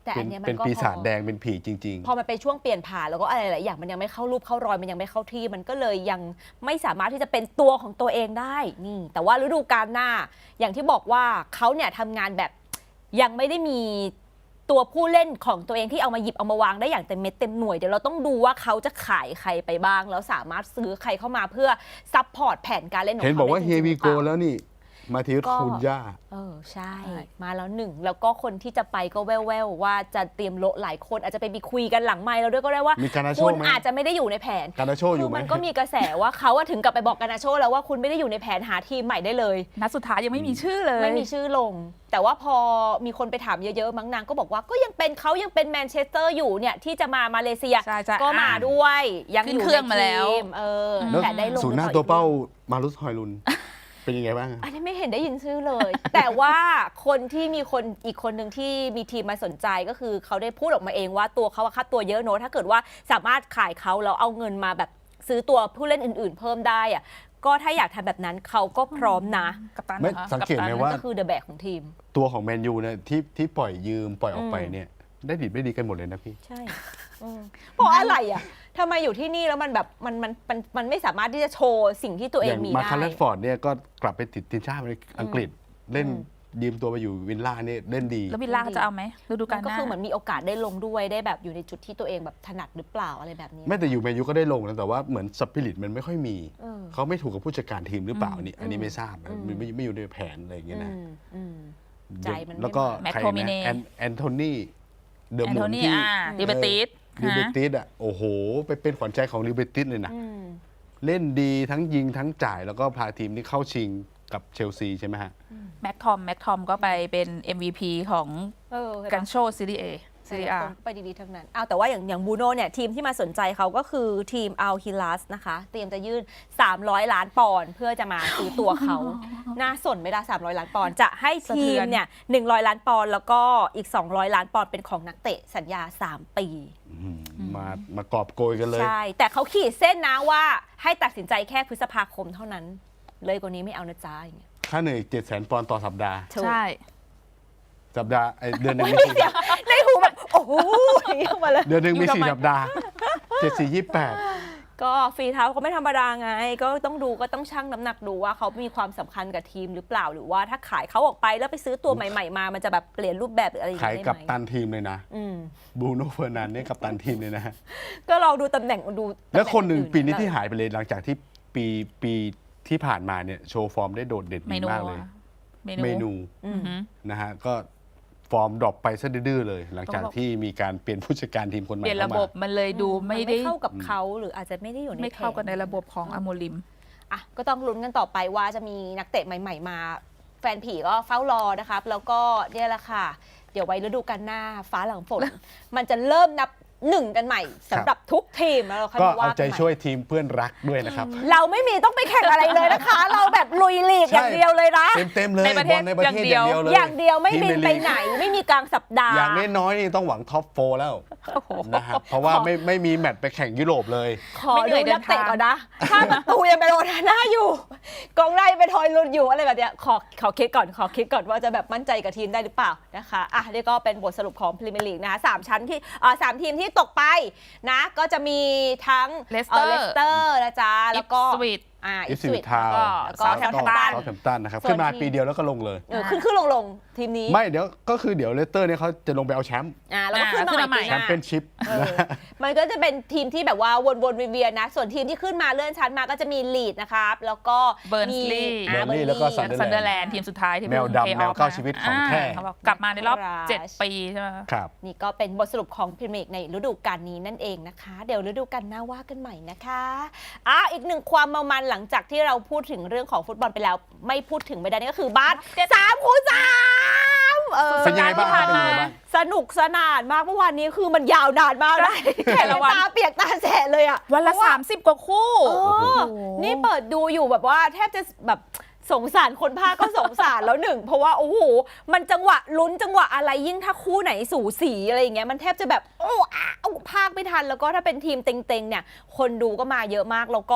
[SPEAKER 1] แต่
[SPEAKER 2] เป็
[SPEAKER 1] อั
[SPEAKER 2] น
[SPEAKER 1] นเนี้ยมั
[SPEAKER 2] เป็น
[SPEAKER 1] นก็
[SPEAKER 2] ปี
[SPEAKER 1] พ
[SPEAKER 2] ศา
[SPEAKER 1] อ
[SPEAKER 2] จแดงเป็นผีจริง
[SPEAKER 1] พอมันเป็นช่วงเปลี่ยนผ่านแล้วก็อะไรหลายอย่างมันยังไม่เข้ารูปเข้ารอยมันยังไม่เข้าที่มันก็เลยยังไม่สามารถที่จะเป็นตัวของตัวเองได้นี่แต่ว่าฤดูกาลหน้าอย่างที่บอกว่าเขาเนี่ยทำงานแบบยังไม่ได้มีตัวผู้เล่นของตัวเองที่เอามาหยิบเอามาวางได้อย่างเต็มเม็ดเต็มหน่วยเดี๋ยวเราต้องดูว่าเขาจะขายใครไปบ้างแล้วสามารถซื้อใครเข้ามาเพื่อซัพพอร์ตแผนการเล่นข
[SPEAKER 2] ๆ
[SPEAKER 1] อง
[SPEAKER 2] เห็น
[SPEAKER 1] เขา
[SPEAKER 2] บอกว่า
[SPEAKER 1] ได้
[SPEAKER 2] เฮ
[SPEAKER 1] จริงๆ
[SPEAKER 2] วี
[SPEAKER 1] หรือ
[SPEAKER 2] โก
[SPEAKER 1] เปล่า
[SPEAKER 2] แล้วนี่ มาทิว
[SPEAKER 1] ก็
[SPEAKER 2] คุณย่า
[SPEAKER 1] เออใช่
[SPEAKER 3] ใช่
[SPEAKER 1] มาแล้วหนึ่งแล้วก็คนที่จะไปก็แว่วๆว่าจะเตรียมโละหลายคนอาจจะไปมีคุยกันหลังไมค์เราด้วยก็ได้ว่า
[SPEAKER 2] มีการนาโช
[SPEAKER 1] คุณ
[SPEAKER 2] ไหม
[SPEAKER 1] อาจจะไม่ได้อยู่ในแผน
[SPEAKER 2] การนาโชอ
[SPEAKER 1] คื
[SPEAKER 2] ยู่
[SPEAKER 1] อ
[SPEAKER 2] ไหม
[SPEAKER 1] มันก็มีกระแสว่าเขาอะถึงกับไปบอกกานาโชแล้วว่าคุณไม่ได้อยู่ในแผนหาทีมใหม่ได้เลย
[SPEAKER 3] นัดสุดท้ายยังไม่มีชื่อเลย
[SPEAKER 1] ไม่มีชื่อลง แต่ว่าพอมีคนไปถามเยอะๆมั้งนางก็บอกว่าก็ยังเป็นเขายังเป็นแมนเชสเตอร์อยู่เนี่ยที่จะมามาเลเซีย
[SPEAKER 3] ใช่ใช่
[SPEAKER 1] ก็มา
[SPEAKER 3] อ่ะ
[SPEAKER 1] ด้วยยัง
[SPEAKER 3] ขึ้
[SPEAKER 1] อน ยู่
[SPEAKER 3] เครื่อง
[SPEAKER 1] ใน
[SPEAKER 3] มาแล้ว
[SPEAKER 1] ทีมเออ
[SPEAKER 2] แล้ว
[SPEAKER 1] แต่ได้ลง
[SPEAKER 2] ศูนย์หน้า
[SPEAKER 1] หรือ
[SPEAKER 2] ตัวเป้า
[SPEAKER 1] อีก
[SPEAKER 2] มารุสฮอยลุน เป็นยังไงบ้าง
[SPEAKER 1] อันนี้ไม่เห็นได้ยินชื่อเลย แต่ว่าคนที่มีคนอีกคนหนึ่งที่มีทีมมาสนใจก็คือเขาได้พูดออกมาเองว่าตัวเขาอะค่าตัวเยอะเนอะถ้าเกิดว่าสามารถขายเขาแล้วเอาเงินมาแบบซื้อตัวผู้เล่นอื่นๆ เพิ่มได้อะก็ถ้าอยากทำแบบนั้นเขาก็พร้อมนะ
[SPEAKER 3] กัปตัน
[SPEAKER 2] ไม่
[SPEAKER 3] หรอ
[SPEAKER 2] สังเกตไหม
[SPEAKER 3] กัปตัน
[SPEAKER 2] ว่า
[SPEAKER 1] ก็คือเดอะแบกของทีม
[SPEAKER 2] ตัวของแมนยูเนี่ยที่ที่ปล่อยยืมปล่อยออกไป
[SPEAKER 1] อืม
[SPEAKER 2] เนี่ยได้ดีไม่ดีกันหมดเลยนะพี่
[SPEAKER 1] ใช่อืมเพราะอะไรอ่ะทำไมอยู่ที่นี่แล้วมันแบบมันมันมันมันไม่สามารถที่จะโชว์สิ่งที่ตัวเอ
[SPEAKER 2] อง ย่าง
[SPEAKER 1] มี
[SPEAKER 2] มา
[SPEAKER 1] ได้
[SPEAKER 2] คาร์ลฟอร์ดเนี่ยก็กลับไปติดทีมชาติอังกฤษเล่น
[SPEAKER 1] อืม
[SPEAKER 2] ยืมตัวไปอยู่วินล่าเนี่ยเล่นดี
[SPEAKER 3] แล้ววิลล่าเขาจะเอาไหมฤดูกา
[SPEAKER 1] มั
[SPEAKER 3] ล
[SPEAKER 1] น
[SPEAKER 3] ห
[SPEAKER 1] ก็
[SPEAKER 3] น้า
[SPEAKER 1] คือเหมือนมีโอกาสได้ลงด้วยได้แบบอยู่ในจุดที่ตัวเองแบบถนัดหรือเปล่าอะไรแบบนี้
[SPEAKER 2] ไม่แต่อยู่แมนยูก็ได้ลงนะแต่ว่าเหมือนสปิริตมันไม่ค่อยมี
[SPEAKER 1] เออ
[SPEAKER 2] เขาไม่ถูกกับผู้จัดการทีมหรือเปล่า
[SPEAKER 3] อืม
[SPEAKER 2] นี่อันนี้ไม่ทราบนะ
[SPEAKER 1] อืม
[SPEAKER 2] มันไม่ไม่อยู่ในแผนอะไรอย่างเงี้ยนะ
[SPEAKER 1] อืมอืม ใจมันไม่
[SPEAKER 2] แล้วก็
[SPEAKER 3] แม็ก
[SPEAKER 2] ใคร
[SPEAKER 3] โทมิเน่
[SPEAKER 2] นะแอนแอนโทนีเดอะ
[SPEAKER 3] แอน
[SPEAKER 2] มู
[SPEAKER 3] โท
[SPEAKER 2] น
[SPEAKER 3] นี่
[SPEAKER 2] ที่
[SPEAKER 3] อ่าดิเบติส
[SPEAKER 2] ลิเบ
[SPEAKER 3] ฮะ
[SPEAKER 2] ติสอ่ะโอ้โห ไปเป็นขวัญใจของลิเบติสเลยนะ
[SPEAKER 1] อืม
[SPEAKER 2] เล่นดีทั้งยิงทั้งจ่ายแล้วก็พาทีมนี้เข้าชิงกับเชลซีใช่ไหมฮะ
[SPEAKER 3] แม็กทอมแม็กทอมก็ไปเป็น เอ็ม วี พี ของ
[SPEAKER 1] เออเห็นปะ
[SPEAKER 3] กันโชซีรีเอซีรีอา
[SPEAKER 1] ตรงไปดีๆทั้งนั้นเอาแต่ว่าอย่างอย่างบูโน่เนี่ยทีมที่มาสนใจเขาก็คือทีมอัลฮิลัสนะคะ เตรียมจะยื่น สามร้อย ล้านปอนด์เพื่อจะมาซื้อตัวเขา น่าสนไหมล่ะสามร้อย ล้านปอนด์จะให้ทีมเนี่ยหนึ่งร้อย ล้านปอนด์แล้วก็อีก สองร้อย ล้านปอนด์เป็นของนักเตะสัญญา สาม ปี
[SPEAKER 2] อืมมามากอบโกยกันเลย
[SPEAKER 1] ใช่ แต่เขาขีดเส้นนะว่าให้ตัดสินใจแค่พฤษภาคมเท่านั้น เลยกว่านี้ไม่เอานะจ๊ะอย่างเงี้ย
[SPEAKER 2] ค่าเหนื่อยเจ็ดแสนปอนด์ต่อสัปดาห์
[SPEAKER 1] ถูก
[SPEAKER 3] ใช่
[SPEAKER 2] สัปดาห์ไอ้เดือนหนึ่ง
[SPEAKER 1] ไม่
[SPEAKER 2] มี
[SPEAKER 1] มี
[SPEAKER 2] สี่
[SPEAKER 1] เสียงในหูแบบ โอ้โหอย่างเงี้ยมาเลย
[SPEAKER 2] เดือนหนึ่งมี
[SPEAKER 3] อยู่ทำ
[SPEAKER 2] สี่
[SPEAKER 3] ไม
[SPEAKER 2] สัปดาห์เจ็ดสี่ยี่แปด
[SPEAKER 1] ก็ฝีเท้าเขาไม่ธรรมดาไง ก็ต้องดูก็ต้องชั่งน้ำหนักดูว่าเขามีความสำคัญกับทีมหรือเปล่าหรือว่าถ้าขายเขาออกไปแล้วไปซื้อตัวใหม่ๆมา มันจะแบบเปลี่ยนรูปแบบหรืออะไรอย่าง
[SPEAKER 2] ขาย
[SPEAKER 1] เงี้ย
[SPEAKER 2] กับ
[SPEAKER 1] ได้ไหม
[SPEAKER 2] ตันทีมเลยนะ
[SPEAKER 1] อืม
[SPEAKER 2] บรูโน่เฟอร์นันเนี่ยกับตันทีมเลยนะ
[SPEAKER 1] ก็ลองดูตำแหน่งดูตำห
[SPEAKER 2] แล้วคนหนึ่ง
[SPEAKER 1] อื่
[SPEAKER 2] ปีนี้ที่หายไปเลยหลังจากที่ปีปีที่ผ่านมาเนี่ยโชว์ฟอร์มได้โดดเด่น
[SPEAKER 3] เม
[SPEAKER 2] ดี
[SPEAKER 3] นู
[SPEAKER 2] มากเลย
[SPEAKER 3] อะเม
[SPEAKER 2] เม
[SPEAKER 3] นู
[SPEAKER 2] นู
[SPEAKER 1] อื
[SPEAKER 3] อื
[SPEAKER 1] ม
[SPEAKER 3] อหือ
[SPEAKER 2] นะฮะก็ฟอร์มดรอปไปซะดื้อๆเลย หลังจาก
[SPEAKER 3] ต้องบอก
[SPEAKER 2] ที่มีการเปลี่ยนผู้จัดการทีมคนใหม่
[SPEAKER 3] เปลี่ยนระ
[SPEAKER 2] เข้า
[SPEAKER 3] บ
[SPEAKER 2] มา
[SPEAKER 3] บมันเลยดูไม่
[SPEAKER 1] น
[SPEAKER 3] ได้
[SPEAKER 1] เข้ากับเขาหรืออาจจะไม่ได้อยู่ใน
[SPEAKER 3] ไม่เข้ากันใน
[SPEAKER 1] แผ
[SPEAKER 3] ระบบของอโมลิม
[SPEAKER 1] อ่ะก็ต้องลุ้นกันต่อไปว่าจะมีนักเตะใหม่ ๆ มา แฟนผีก็เฝ้ารอนะครับ แล้วก็เนี่ยแหละค่ะ เดี๋ยวไว้ฤดูกาลหน้าฟ้าหลังฝน มันจะเริ่มนับหนึ่งกันใหม่สำหรับทุกทีมแล้วเราค่อย
[SPEAKER 2] ก็
[SPEAKER 1] มาว่า
[SPEAKER 2] เอา
[SPEAKER 1] กัน
[SPEAKER 2] ใจ
[SPEAKER 1] ใหม่
[SPEAKER 2] ช่วยทีมเพื่อนรักด้วยนะครับ
[SPEAKER 1] เราไม่มีต้องไปแข่งอะไรเลยนะคะ เราแบบลุยลีกอย่างเดียวเลยนะ
[SPEAKER 2] เต็มเต็มๆเลย
[SPEAKER 3] ในประเทศ
[SPEAKER 2] บอลในประเทศ
[SPEAKER 3] อย่าง
[SPEAKER 2] อย่าง
[SPEAKER 3] เดี
[SPEAKER 2] เดียว วเลย
[SPEAKER 1] อย่างเดียวไม่
[SPEAKER 2] ที
[SPEAKER 1] บิน
[SPEAKER 2] ใ
[SPEAKER 1] ไปไหนไม่มีกลางสัปดาห์
[SPEAKER 2] อย่างน้อยๆนี่ต้องหวังท็อปโฟร์แล้วนะครับเพราะว่าไม่ไม่มีแมตช์ไปแข่งยุโรปเลย
[SPEAKER 1] ขอ
[SPEAKER 3] ไม่เหนื่
[SPEAKER 1] ดู
[SPEAKER 3] อยเดิ
[SPEAKER 1] นั
[SPEAKER 3] น
[SPEAKER 1] กเตะ
[SPEAKER 3] ทาง
[SPEAKER 1] ก่อนนะ ถ้าประตูยังเป็นโอนาน่าอยู่กองหน้ายังเป็นทอยลุนอยู่อะไรแบบเนี้ยขอขอคิดก่อนขอคิดก่อนว่าจะแบบมั่นใจกับทีมได้หรือเปล่านะคะอ่ะนี่ก็เป็นบทสรุปของพรีเมียร์ลีกนะคะสามชั้นที่อ่าสามทีมที่ตกไปนะก็จะมีทั้ง
[SPEAKER 3] Leicester
[SPEAKER 1] เลสเตอร์นะจ๊ะแล้วก็
[SPEAKER 3] สวิต
[SPEAKER 1] อ่า
[SPEAKER 2] อิ
[SPEAKER 1] อิ
[SPEAKER 2] ฟ
[SPEAKER 1] ส
[SPEAKER 2] ซี
[SPEAKER 1] วิ
[SPEAKER 2] วิ
[SPEAKER 1] ต
[SPEAKER 2] ทาว
[SPEAKER 3] แล้วก็
[SPEAKER 1] แล้วก็ Southampton
[SPEAKER 2] เซาท์แฮมป์ตันนะครับ
[SPEAKER 1] ส่วน
[SPEAKER 2] ขึ้นมา
[SPEAKER 1] ทีม
[SPEAKER 2] ปีเดียวแล้วก็ลงเลย
[SPEAKER 1] เออขึ้นขึ้นลงลงทีมนี้
[SPEAKER 2] ไม่เดี๋ยวก็คือเดี๋ยวเลสเตอร์เนี่ยเขาจะลงไปเอาแชมป์
[SPEAKER 1] อ่าแล้วก็ขึ้นมา
[SPEAKER 3] อ่าขึ้นมา
[SPEAKER 1] ใหม่
[SPEAKER 3] ใหม่
[SPEAKER 1] ปีห
[SPEAKER 2] แช
[SPEAKER 1] น้า
[SPEAKER 2] มเปี้ยนชิพ
[SPEAKER 1] เออมันก็จะเป็นทีมที่แบบว่าวนๆเวียนๆนะ ส่วนทีมที่ขึ้นมาเลื่อนชั้นมาก็จะมีลีดนะครับ แล้วก็มี
[SPEAKER 3] Burnley
[SPEAKER 1] อ่า
[SPEAKER 2] Burnley แล้วก็
[SPEAKER 1] Burnley
[SPEAKER 3] ซันเดอร์แลนด์ทีมสุดท้ายที่
[SPEAKER 2] แมวดำ
[SPEAKER 3] เพิ่ง
[SPEAKER 2] แมว
[SPEAKER 3] play off
[SPEAKER 2] เก้าชีวิตของแท้
[SPEAKER 3] าเขาบอกกลับมาในรอบ
[SPEAKER 1] Crash
[SPEAKER 3] เจ็ดปีใช่ไหม
[SPEAKER 2] ครับ
[SPEAKER 1] นี่ก็เป็นบทสรุปของพรีเมียร์ลีกในฤดูกาลนี้นั่นเองนะคะ เดี๋ยวฤดูกาลหน้าว่ากันใหม่นะคะอ่ะอีกหนึ่งความเมามันหลังจากที่เราพูดถึงเรื่องของฟุตบอลไปแล้ว ไม่พูดถึงไม่ได้นั่นก็คือบาสสามคูณสามเออ
[SPEAKER 2] เป็นยังไงบ้าง
[SPEAKER 1] ที่ผ่าน
[SPEAKER 2] เป็นยัง
[SPEAKER 1] มา
[SPEAKER 2] ไงบ้าง
[SPEAKER 1] สนุกสนานมากเมื่อวานนี้คือมันยาวนานมากนะแข่ง
[SPEAKER 3] แต่ละวัน
[SPEAKER 1] ตาเปียกตาแฉะเลยอ่ะ
[SPEAKER 3] วันละ สามสิบ กว่าคู่
[SPEAKER 1] เออนี่เปิดดูอยู่แบบว่าแทบจะแบบสงสารคนภาคก็สงสารแล้วหนึ่ง เพราะว่าโอ้โหมันจังหวะลุ้นจังหวะอะไรยิ่งถ้าคู่ไหนสูสีอะไรอย่างเงี้ยมันแทบจะแบบโอ้อ้าวภาคไม่ทันแล้วก็ถ้าเป็นทีมเต็งๆเนี่ยคนดูก็มาเยอะมากแล้วก็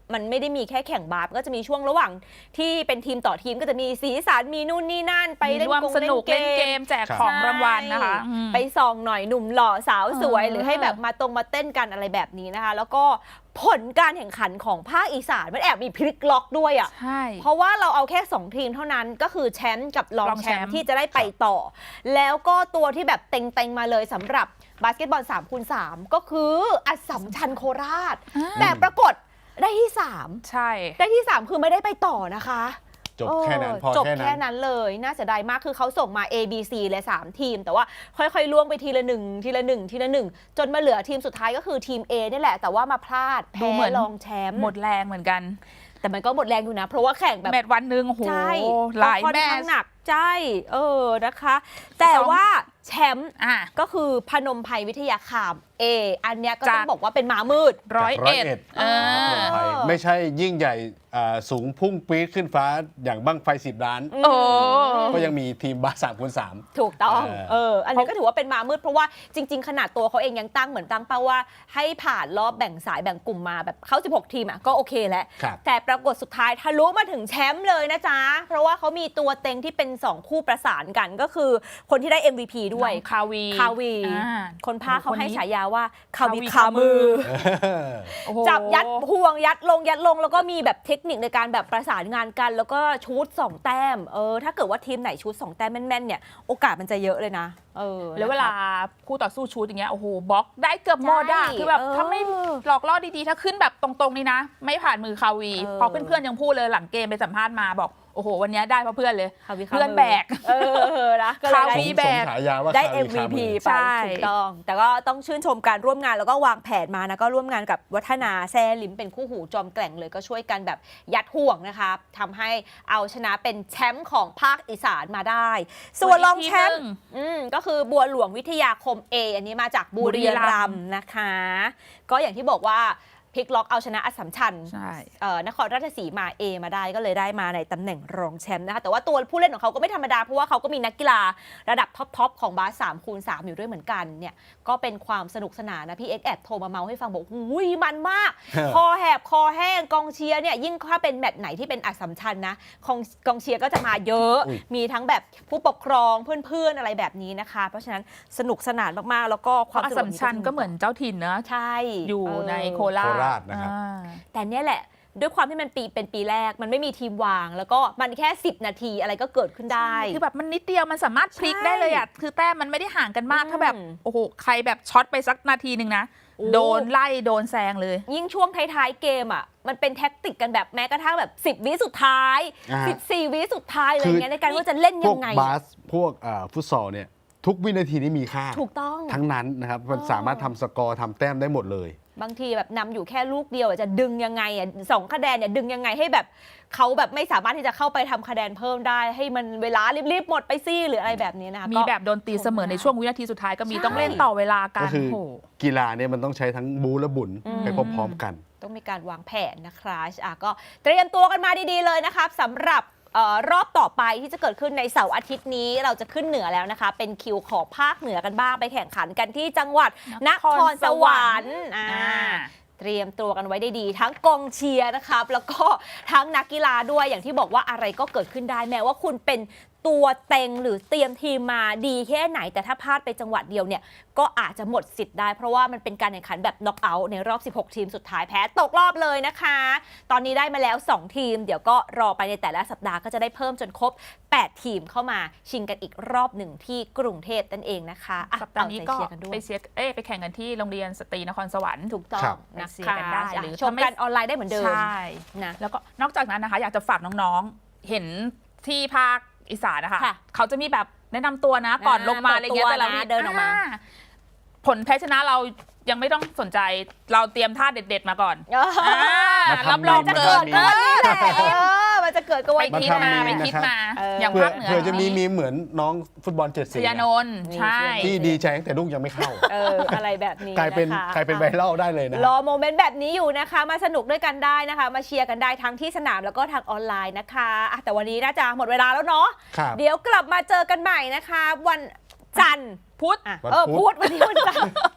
[SPEAKER 1] มันไม่ได้มีแค่แข่งบาสก็จะมีช่วงระหว่างที่เป็นทีมต่อทีมก็จะมีสีสันมีนู่นนี่นั่นไป
[SPEAKER 3] มี
[SPEAKER 1] เล่น
[SPEAKER 3] ร่วม
[SPEAKER 1] กง
[SPEAKER 3] สนุก
[SPEAKER 1] เล่
[SPEAKER 3] เล่
[SPEAKER 1] น
[SPEAKER 3] น
[SPEAKER 1] เก
[SPEAKER 3] เก
[SPEAKER 1] ม
[SPEAKER 3] มแจกของรางวัลนะคะ
[SPEAKER 1] ใช่
[SPEAKER 3] อืม
[SPEAKER 1] ไปส่องหน่อยหนุ่มหล่อสาวสวย
[SPEAKER 3] เออ
[SPEAKER 1] หรือให้แบบมาตรงมาเต้นกันอะไรแบบนี้นะคะ แล้วก็ผลการแข่งขันของภาคอีสานมันแอบมีพลิกล็อกด้วยอ่ะ
[SPEAKER 3] ใช่
[SPEAKER 1] เพราะว่าเราเอาแค่สองทีมเท่านั้นก็คือแชมป์กับรอง
[SPEAKER 3] รอง
[SPEAKER 1] แช
[SPEAKER 3] แช
[SPEAKER 1] ม
[SPEAKER 3] มป์
[SPEAKER 1] ป์ที่จะได้ไปต่อ แล้วก็ตัวที่แบบเต็งๆมาเลยสำหรับบาสเกตบอลสามคูณสามก็คืออัสสัมชัญโคราช
[SPEAKER 3] อ่า
[SPEAKER 1] แต่ปรากฏได้ที่สาม
[SPEAKER 3] ใช่
[SPEAKER 1] ได้ที่สามคือไม่ได้ไปต่อนะคะ
[SPEAKER 2] จบแค่นั้น
[SPEAKER 1] เออ
[SPEAKER 2] พอ
[SPEAKER 1] จบ
[SPEAKER 2] แค่
[SPEAKER 1] แค่
[SPEAKER 2] นั้น
[SPEAKER 1] นั้นเลยน่าเสียดายมากคือเขาส่งมา A B C เลยสามทีม แต่ว่าค่อยๆล่วงไปทีละหนึ่งทีละหนึ่งทีละหนึ่งจนมาเหลือทีมสุดท้ายก็คือทีม A นี่แหละ แต่ว่ามาพลาด
[SPEAKER 3] ดู
[SPEAKER 1] แพ้
[SPEAKER 3] เหมือน
[SPEAKER 1] รองแชมป์
[SPEAKER 3] หมดแรงเหมือนกัน
[SPEAKER 1] แต่มันก็หมดแรงอยู่นะ เพราะว่าแข่งแบบ
[SPEAKER 3] แมตช์วันหนึ่งโอ้โห
[SPEAKER 1] ใช่
[SPEAKER 3] หลาย
[SPEAKER 1] ก็ค่อน
[SPEAKER 3] แม
[SPEAKER 1] ข้า
[SPEAKER 3] ต
[SPEAKER 1] ง
[SPEAKER 3] ช์
[SPEAKER 1] หนักใช่เออนะคะ แต่ว่าแชมป์
[SPEAKER 3] อ่ะ
[SPEAKER 1] ก็คือพนมไพรวิทยาคาม A อันเนี้ยก็
[SPEAKER 3] จาก
[SPEAKER 1] ต้องบอกว่าเป็นหมามืด
[SPEAKER 3] ร้อย
[SPEAKER 2] จากร้อย
[SPEAKER 3] เอ็ด
[SPEAKER 2] เอ็ด
[SPEAKER 3] เออ
[SPEAKER 2] ไทยไม่ใช่ยิ่งใหญ่อ่าสูงพุ่งปี๊ดขึ้นฟ้าอย่างบั้งไฟสิบล้าน
[SPEAKER 3] โอ้
[SPEAKER 2] ก็ยังมีทีมบาสสามคูณสาม
[SPEAKER 1] ถูกต้อง
[SPEAKER 2] เออ
[SPEAKER 1] เออ อันนี้ก็ถือว่าเป็นมามืดเพราะว่าจริง ๆ ขนาดตัวเขาเองยังตั้งเหมือนตั้งเป้าว่าให้ผ่านรอบแบ่งสายแบ่งกลุ่มมาแบบเข้าสิบหกทีมอ่ะก็โอเคแล้ว
[SPEAKER 2] ครับ
[SPEAKER 1] แต่ปรากฏสุดท้ายทะลุมาถึงแชมป์เลยนะจ๊ะ เพราะว่าเขามีตัวเต็งที่เป็นสองคู่ประสานกันก็คือคนที่ได้ เอ็ม วี พี ด้วย
[SPEAKER 3] น้องคาวี
[SPEAKER 1] คาวี
[SPEAKER 3] อ่า
[SPEAKER 1] คนพาเขาให้
[SPEAKER 3] คนนี้
[SPEAKER 1] ฉายาว่าคาวี
[SPEAKER 3] คาวี
[SPEAKER 1] คามือ
[SPEAKER 3] โอ้โห
[SPEAKER 1] จับยัดห่วงยัดลงยัดลงแล้วก็มีแบบเทคนิคในการแบบประสานงานกัน แล้วก็ชูตสองแต้มเออถ้าเกิดว่าทีมไหนชูตสองแต้มแม่นๆเนี่ยโอกาสมันจะเยอะเลยนะเออ
[SPEAKER 3] แล้วเวลา
[SPEAKER 1] นะครับ
[SPEAKER 3] คู่ต่อสู้ชูตอย่างเงี้ยโอ้โหบล็อกได้เกือบหมดอะ
[SPEAKER 1] ใช่
[SPEAKER 3] คือแบบ
[SPEAKER 1] เออ
[SPEAKER 3] ถ้าไม่หลอกล่อดีๆ ถ้าขึ้นแบบตรงๆนี่นะ ไม่ผ่านมือคาวี
[SPEAKER 1] เออ
[SPEAKER 3] พอเพื่อนๆยังพูดเลยหลังเกมไปสัมภาษณ์มาบอกโอ้โหวันเนี้ยได้เพราะเพื่อนเลย
[SPEAKER 1] คาวีคา
[SPEAKER 3] เพื่อน
[SPEAKER 1] มื
[SPEAKER 3] แบก
[SPEAKER 1] เออนะก็เลย
[SPEAKER 3] คา
[SPEAKER 1] ได้
[SPEAKER 3] วี
[SPEAKER 2] สม
[SPEAKER 3] แบ
[SPEAKER 2] สม
[SPEAKER 3] ก
[SPEAKER 2] ฉายาว่า
[SPEAKER 1] ได้
[SPEAKER 2] คา
[SPEAKER 1] เอ็
[SPEAKER 2] วี
[SPEAKER 1] ม วี
[SPEAKER 2] คา
[SPEAKER 1] พี
[SPEAKER 2] มือ
[SPEAKER 1] ไป
[SPEAKER 3] ใช่
[SPEAKER 1] ถูกต้อง แต่ก็ต้องชื่นชมการร่วมงานแล้วก็วางแผนมานะก็ร่วมงานกับวัฒนาแซ่ลิมเป็นคู่หูจอมแกร่งเลยก็ช่วยกันแบบยัดห่วงนะคะทำให้เอาชนะเป็นแชมป์ของภาคอีสานมาได้ ส่วนรองแชมป์อืมก็คือบัวหลวงวิทยาคม A อันนี้มาจากบุรีรัมย์นะคะ ก็อย่างที่บอกว่าพลิกล็อกเอาชนะอัสสัมชัญ
[SPEAKER 3] ใช่
[SPEAKER 1] เอ่อนครราชสีมา A มาได้ก็เลยได้มาในตำแหน่งรองแชมป์นะคะแต่ว่าตัวผู้เล่นของเขาก็ไม่ธรรมดาเพราะว่าเขาก็มีนักกีฬาระดับท็อปๆของบาสสามคูณสามอยู่ด้วยเหมือนกันเนี่ยก็เป็นความสนุกสนานนะพี่เอ็กซ์แอบโทรมาเมาให้ฟังบอกหุยมันมาก คอแหบคอแห้งกองเชียร์เนี่ยยิ่งถ้าเป็นแมตช์ไหนที่เป็นอัสสัมชัญนะกองกองเชียร์ก็จะมาเยอะ
[SPEAKER 2] อุ๊ย
[SPEAKER 1] มีทั้งแบบผู้ปกครองเพื่อนๆอะไรแบบนี้นะคะ เพราะฉะนั้นสนุกสนานมากๆ แล้วก็ค
[SPEAKER 3] เพ
[SPEAKER 1] วาม
[SPEAKER 3] ราะอัส
[SPEAKER 1] สนุ
[SPEAKER 3] สัมชัญก็เหมือนเจ้าถิ่นเนอะ
[SPEAKER 1] ใช่
[SPEAKER 3] อยู่
[SPEAKER 1] เ
[SPEAKER 3] ในโคราช
[SPEAKER 2] โคราชนะครับ
[SPEAKER 3] อ่า
[SPEAKER 1] แต่เนี่ยแหละ ด้วยความที่มันปีเป็นปีแรกมันไม่มีทีมวาง แล้วก็มันแค่สิบนาทีอะไรก็เกิดขึ้นได้
[SPEAKER 3] คือแบบมันนิดเดียวมันสามารถพลิก
[SPEAKER 1] ใช่
[SPEAKER 3] ได้เลยอ่ะคือแต้มมันไม่ได้ห่างกันมาก
[SPEAKER 1] อืม
[SPEAKER 3] ถ้าแบบโอ้โหใครแบบช็อตไปสักนาทีหนึ่งนะ
[SPEAKER 1] โอ้
[SPEAKER 3] โดนไล่โดนแซงเลย
[SPEAKER 1] ยิ่งช่วงท้ายๆเกมอ่ะมันเป็นแท็กติกกันแบบแม้กระทั่งแบบสิบวิสุดท้าย
[SPEAKER 2] อ่า
[SPEAKER 1] สิบสี่วิสุดท้ายอะไร
[SPEAKER 2] คือ
[SPEAKER 1] เงี้ยในการว่าจะเล่น
[SPEAKER 2] พ
[SPEAKER 1] ยั
[SPEAKER 2] วก
[SPEAKER 1] งไง
[SPEAKER 2] บาสพวกอ่าฟุตซอลเนี่ยทุกวินาทีนี้มีค่า
[SPEAKER 1] ถูกต้อง
[SPEAKER 2] ทั้งนั้นนะครับมัน
[SPEAKER 1] อ๋อ
[SPEAKER 2] สามารถทำสกอร์ทำแต้มได้หมดเลย
[SPEAKER 1] บางทีแบบนำอยู่แค่ลูกเดียวอะจะดึงยังไงอ่ะสองคะแนนเนี่ยดึงยังไงให้แบบเขาแบบไม่สามารถที่จะเข้าไปทำคะแนนเพิ่มได้ ให้มันเวลารีบๆหมดไปซี่หรืออะไรแบบนี้นะคะ
[SPEAKER 3] มี
[SPEAKER 1] ก็
[SPEAKER 3] แบบโดนตีเสมอในช่วงวินาทีสุดท้ายก็มี
[SPEAKER 1] ใช่
[SPEAKER 3] ต้องเล่นต่อเวลากั
[SPEAKER 2] ก็
[SPEAKER 3] น
[SPEAKER 2] คือ
[SPEAKER 3] โอ้โห
[SPEAKER 2] กีฬาเนี่ยมันต้องใช้ทั้งบูและบุญ
[SPEAKER 1] อืม
[SPEAKER 2] ไปพร้อมๆกัน
[SPEAKER 1] ต้องมีการวางแผนนะครับอ่ะก็เตรียมตัวกันมาดีๆเลยนะครับสำหรับเอ่อรอบต่อไปที่จะเกิดขึ้นในเสาร์อาทิตย์นี้เราจะขึ้นเหนือแล้วนะคะ เป็นคิวของภาคเหนือกันบ้างไปแข่งขันกันที่จังหวัดนครสวรรค์อ่า
[SPEAKER 3] อ่า
[SPEAKER 1] เตรียมตัวกันไว้ได้ดี ทั้งกองเชียร์นะครับแล้วก็ทั้งนักกีฬาด้วยอย่างที่บอกว่าอะไรก็เกิดขึ้นได้แม้ว่าคุณเป็นตัวเต็งหรือเตรียมทีมมาดีแค่ไหน แต่ถ้าพลาดไปจังหวัดเดียวเนี่ยก็อาจจะหมดสิทธิ์ได้เพราะว่ามันเป็นการแข่งขันแบบน็อกเอาท์ในรอบสิบหกทีมสุดท้ายแพ้ตกรอบเลยนะคะ ตอนนี้ได้มาแล้วสองทีมเดี๋ยวก็รอไปในแต่ละสัปดาห์ก็จะได้เพิ่มจนครบแปดทีมเข้ามาชิงกันอีกรอบหนึ่งที่กรุงเทพนั่นเองนะคะอ่ะ
[SPEAKER 3] สัปดาห์นี้ก็
[SPEAKER 1] เอใจเชียร์กันด้วย
[SPEAKER 3] ไปเชียร์เอ้ยไปแข่งกันที่โรงเรียนสตรีนครสวรรค์
[SPEAKER 1] ถูกต้อ
[SPEAKER 2] ครั
[SPEAKER 1] ง
[SPEAKER 2] บ
[SPEAKER 1] นะ
[SPEAKER 3] ไปเชียร์กันได้หรือ
[SPEAKER 1] ชมกันออนไลน์ได้เหมือนเดิม
[SPEAKER 3] ใช่
[SPEAKER 1] นะ
[SPEAKER 3] แล้วก็นอกจากนั้นนะคะ อยากจะฝากน้องๆ เห็นที่ภาคอีสานนะคะ
[SPEAKER 1] ค่ะ
[SPEAKER 3] เขาจะมีแบบแนะนำตัวนะก่อน
[SPEAKER 1] อ่า
[SPEAKER 3] ลงมาอะไรเงี้ย
[SPEAKER 1] เปิดตัว
[SPEAKER 3] แต่ละ
[SPEAKER 1] นะ
[SPEAKER 3] วิ
[SPEAKER 1] เดินออกมา
[SPEAKER 3] ผลแพ้ชนะเรายังไม่ต้องสนใจเราเตรียมท่าเด็ดๆมาก่อน
[SPEAKER 1] เออ
[SPEAKER 3] อ่า
[SPEAKER 2] มาทำ
[SPEAKER 3] รับรอง
[SPEAKER 2] มา
[SPEAKER 3] เกิด
[SPEAKER 2] ทำ
[SPEAKER 3] เออ
[SPEAKER 1] แหละเออมันจะเกิดก็
[SPEAKER 3] ไป
[SPEAKER 1] วัน
[SPEAKER 2] มา
[SPEAKER 3] คิด
[SPEAKER 2] ทำ
[SPEAKER 3] มา
[SPEAKER 2] ดี
[SPEAKER 3] ไป
[SPEAKER 2] นะครับ
[SPEAKER 3] คิดมา
[SPEAKER 1] เอออ
[SPEAKER 3] อย่าง
[SPEAKER 2] เผื่อ
[SPEAKER 3] ภาคเหนือ
[SPEAKER 2] เผื่อจะมีมีเหมือนน้องฟุตบอลเจ็ดสี
[SPEAKER 3] ชยานนท์
[SPEAKER 1] นี่
[SPEAKER 3] ใช่
[SPEAKER 2] ที่ดีใจตั้งแต่ลูกยังไม่เข้า
[SPEAKER 1] เอออะไรแบบนี้
[SPEAKER 2] กลายเป็น
[SPEAKER 1] นะคะ
[SPEAKER 2] กลายเป็นไวรัลได้เลยนะ
[SPEAKER 1] รอโมเมนต์แบบนี้อยู่นะคะ มาสนุกด้วยกันได้นะคะ มาเชียร์กันได้ทั้งที่สนามแล้วก็ทางออนไลน์นะคะอ่ะแต่วันนี้น่าจะหมดเวลาแล้วเนาะ
[SPEAKER 2] ครับ
[SPEAKER 1] เดี๋ยวกลับมาเจอกันใหม่นะคะ วันจันทร์
[SPEAKER 3] พุธ
[SPEAKER 1] อ่ะ
[SPEAKER 2] วัน
[SPEAKER 1] เออ
[SPEAKER 2] พุ
[SPEAKER 1] พุ
[SPEAKER 2] ธ
[SPEAKER 1] ธวันนี้วันจันทร์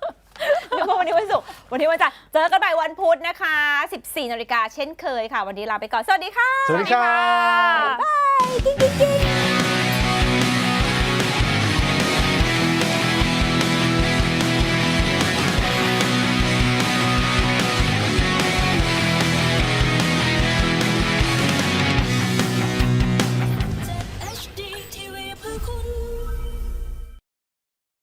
[SPEAKER 1] นึกว่าวันนี้วันศุกร์วันนี้วันจันทร์เจอกันใหม่วันพุธนะคะ สิบสี่นาฬิกาเช่นเคยค่ะ วันนี้ลาไปก่อน สวัสดีค่ะ
[SPEAKER 2] สวัสดีครับ
[SPEAKER 1] บ๊ายบายกิ๊งกิ๊งกิ๊ง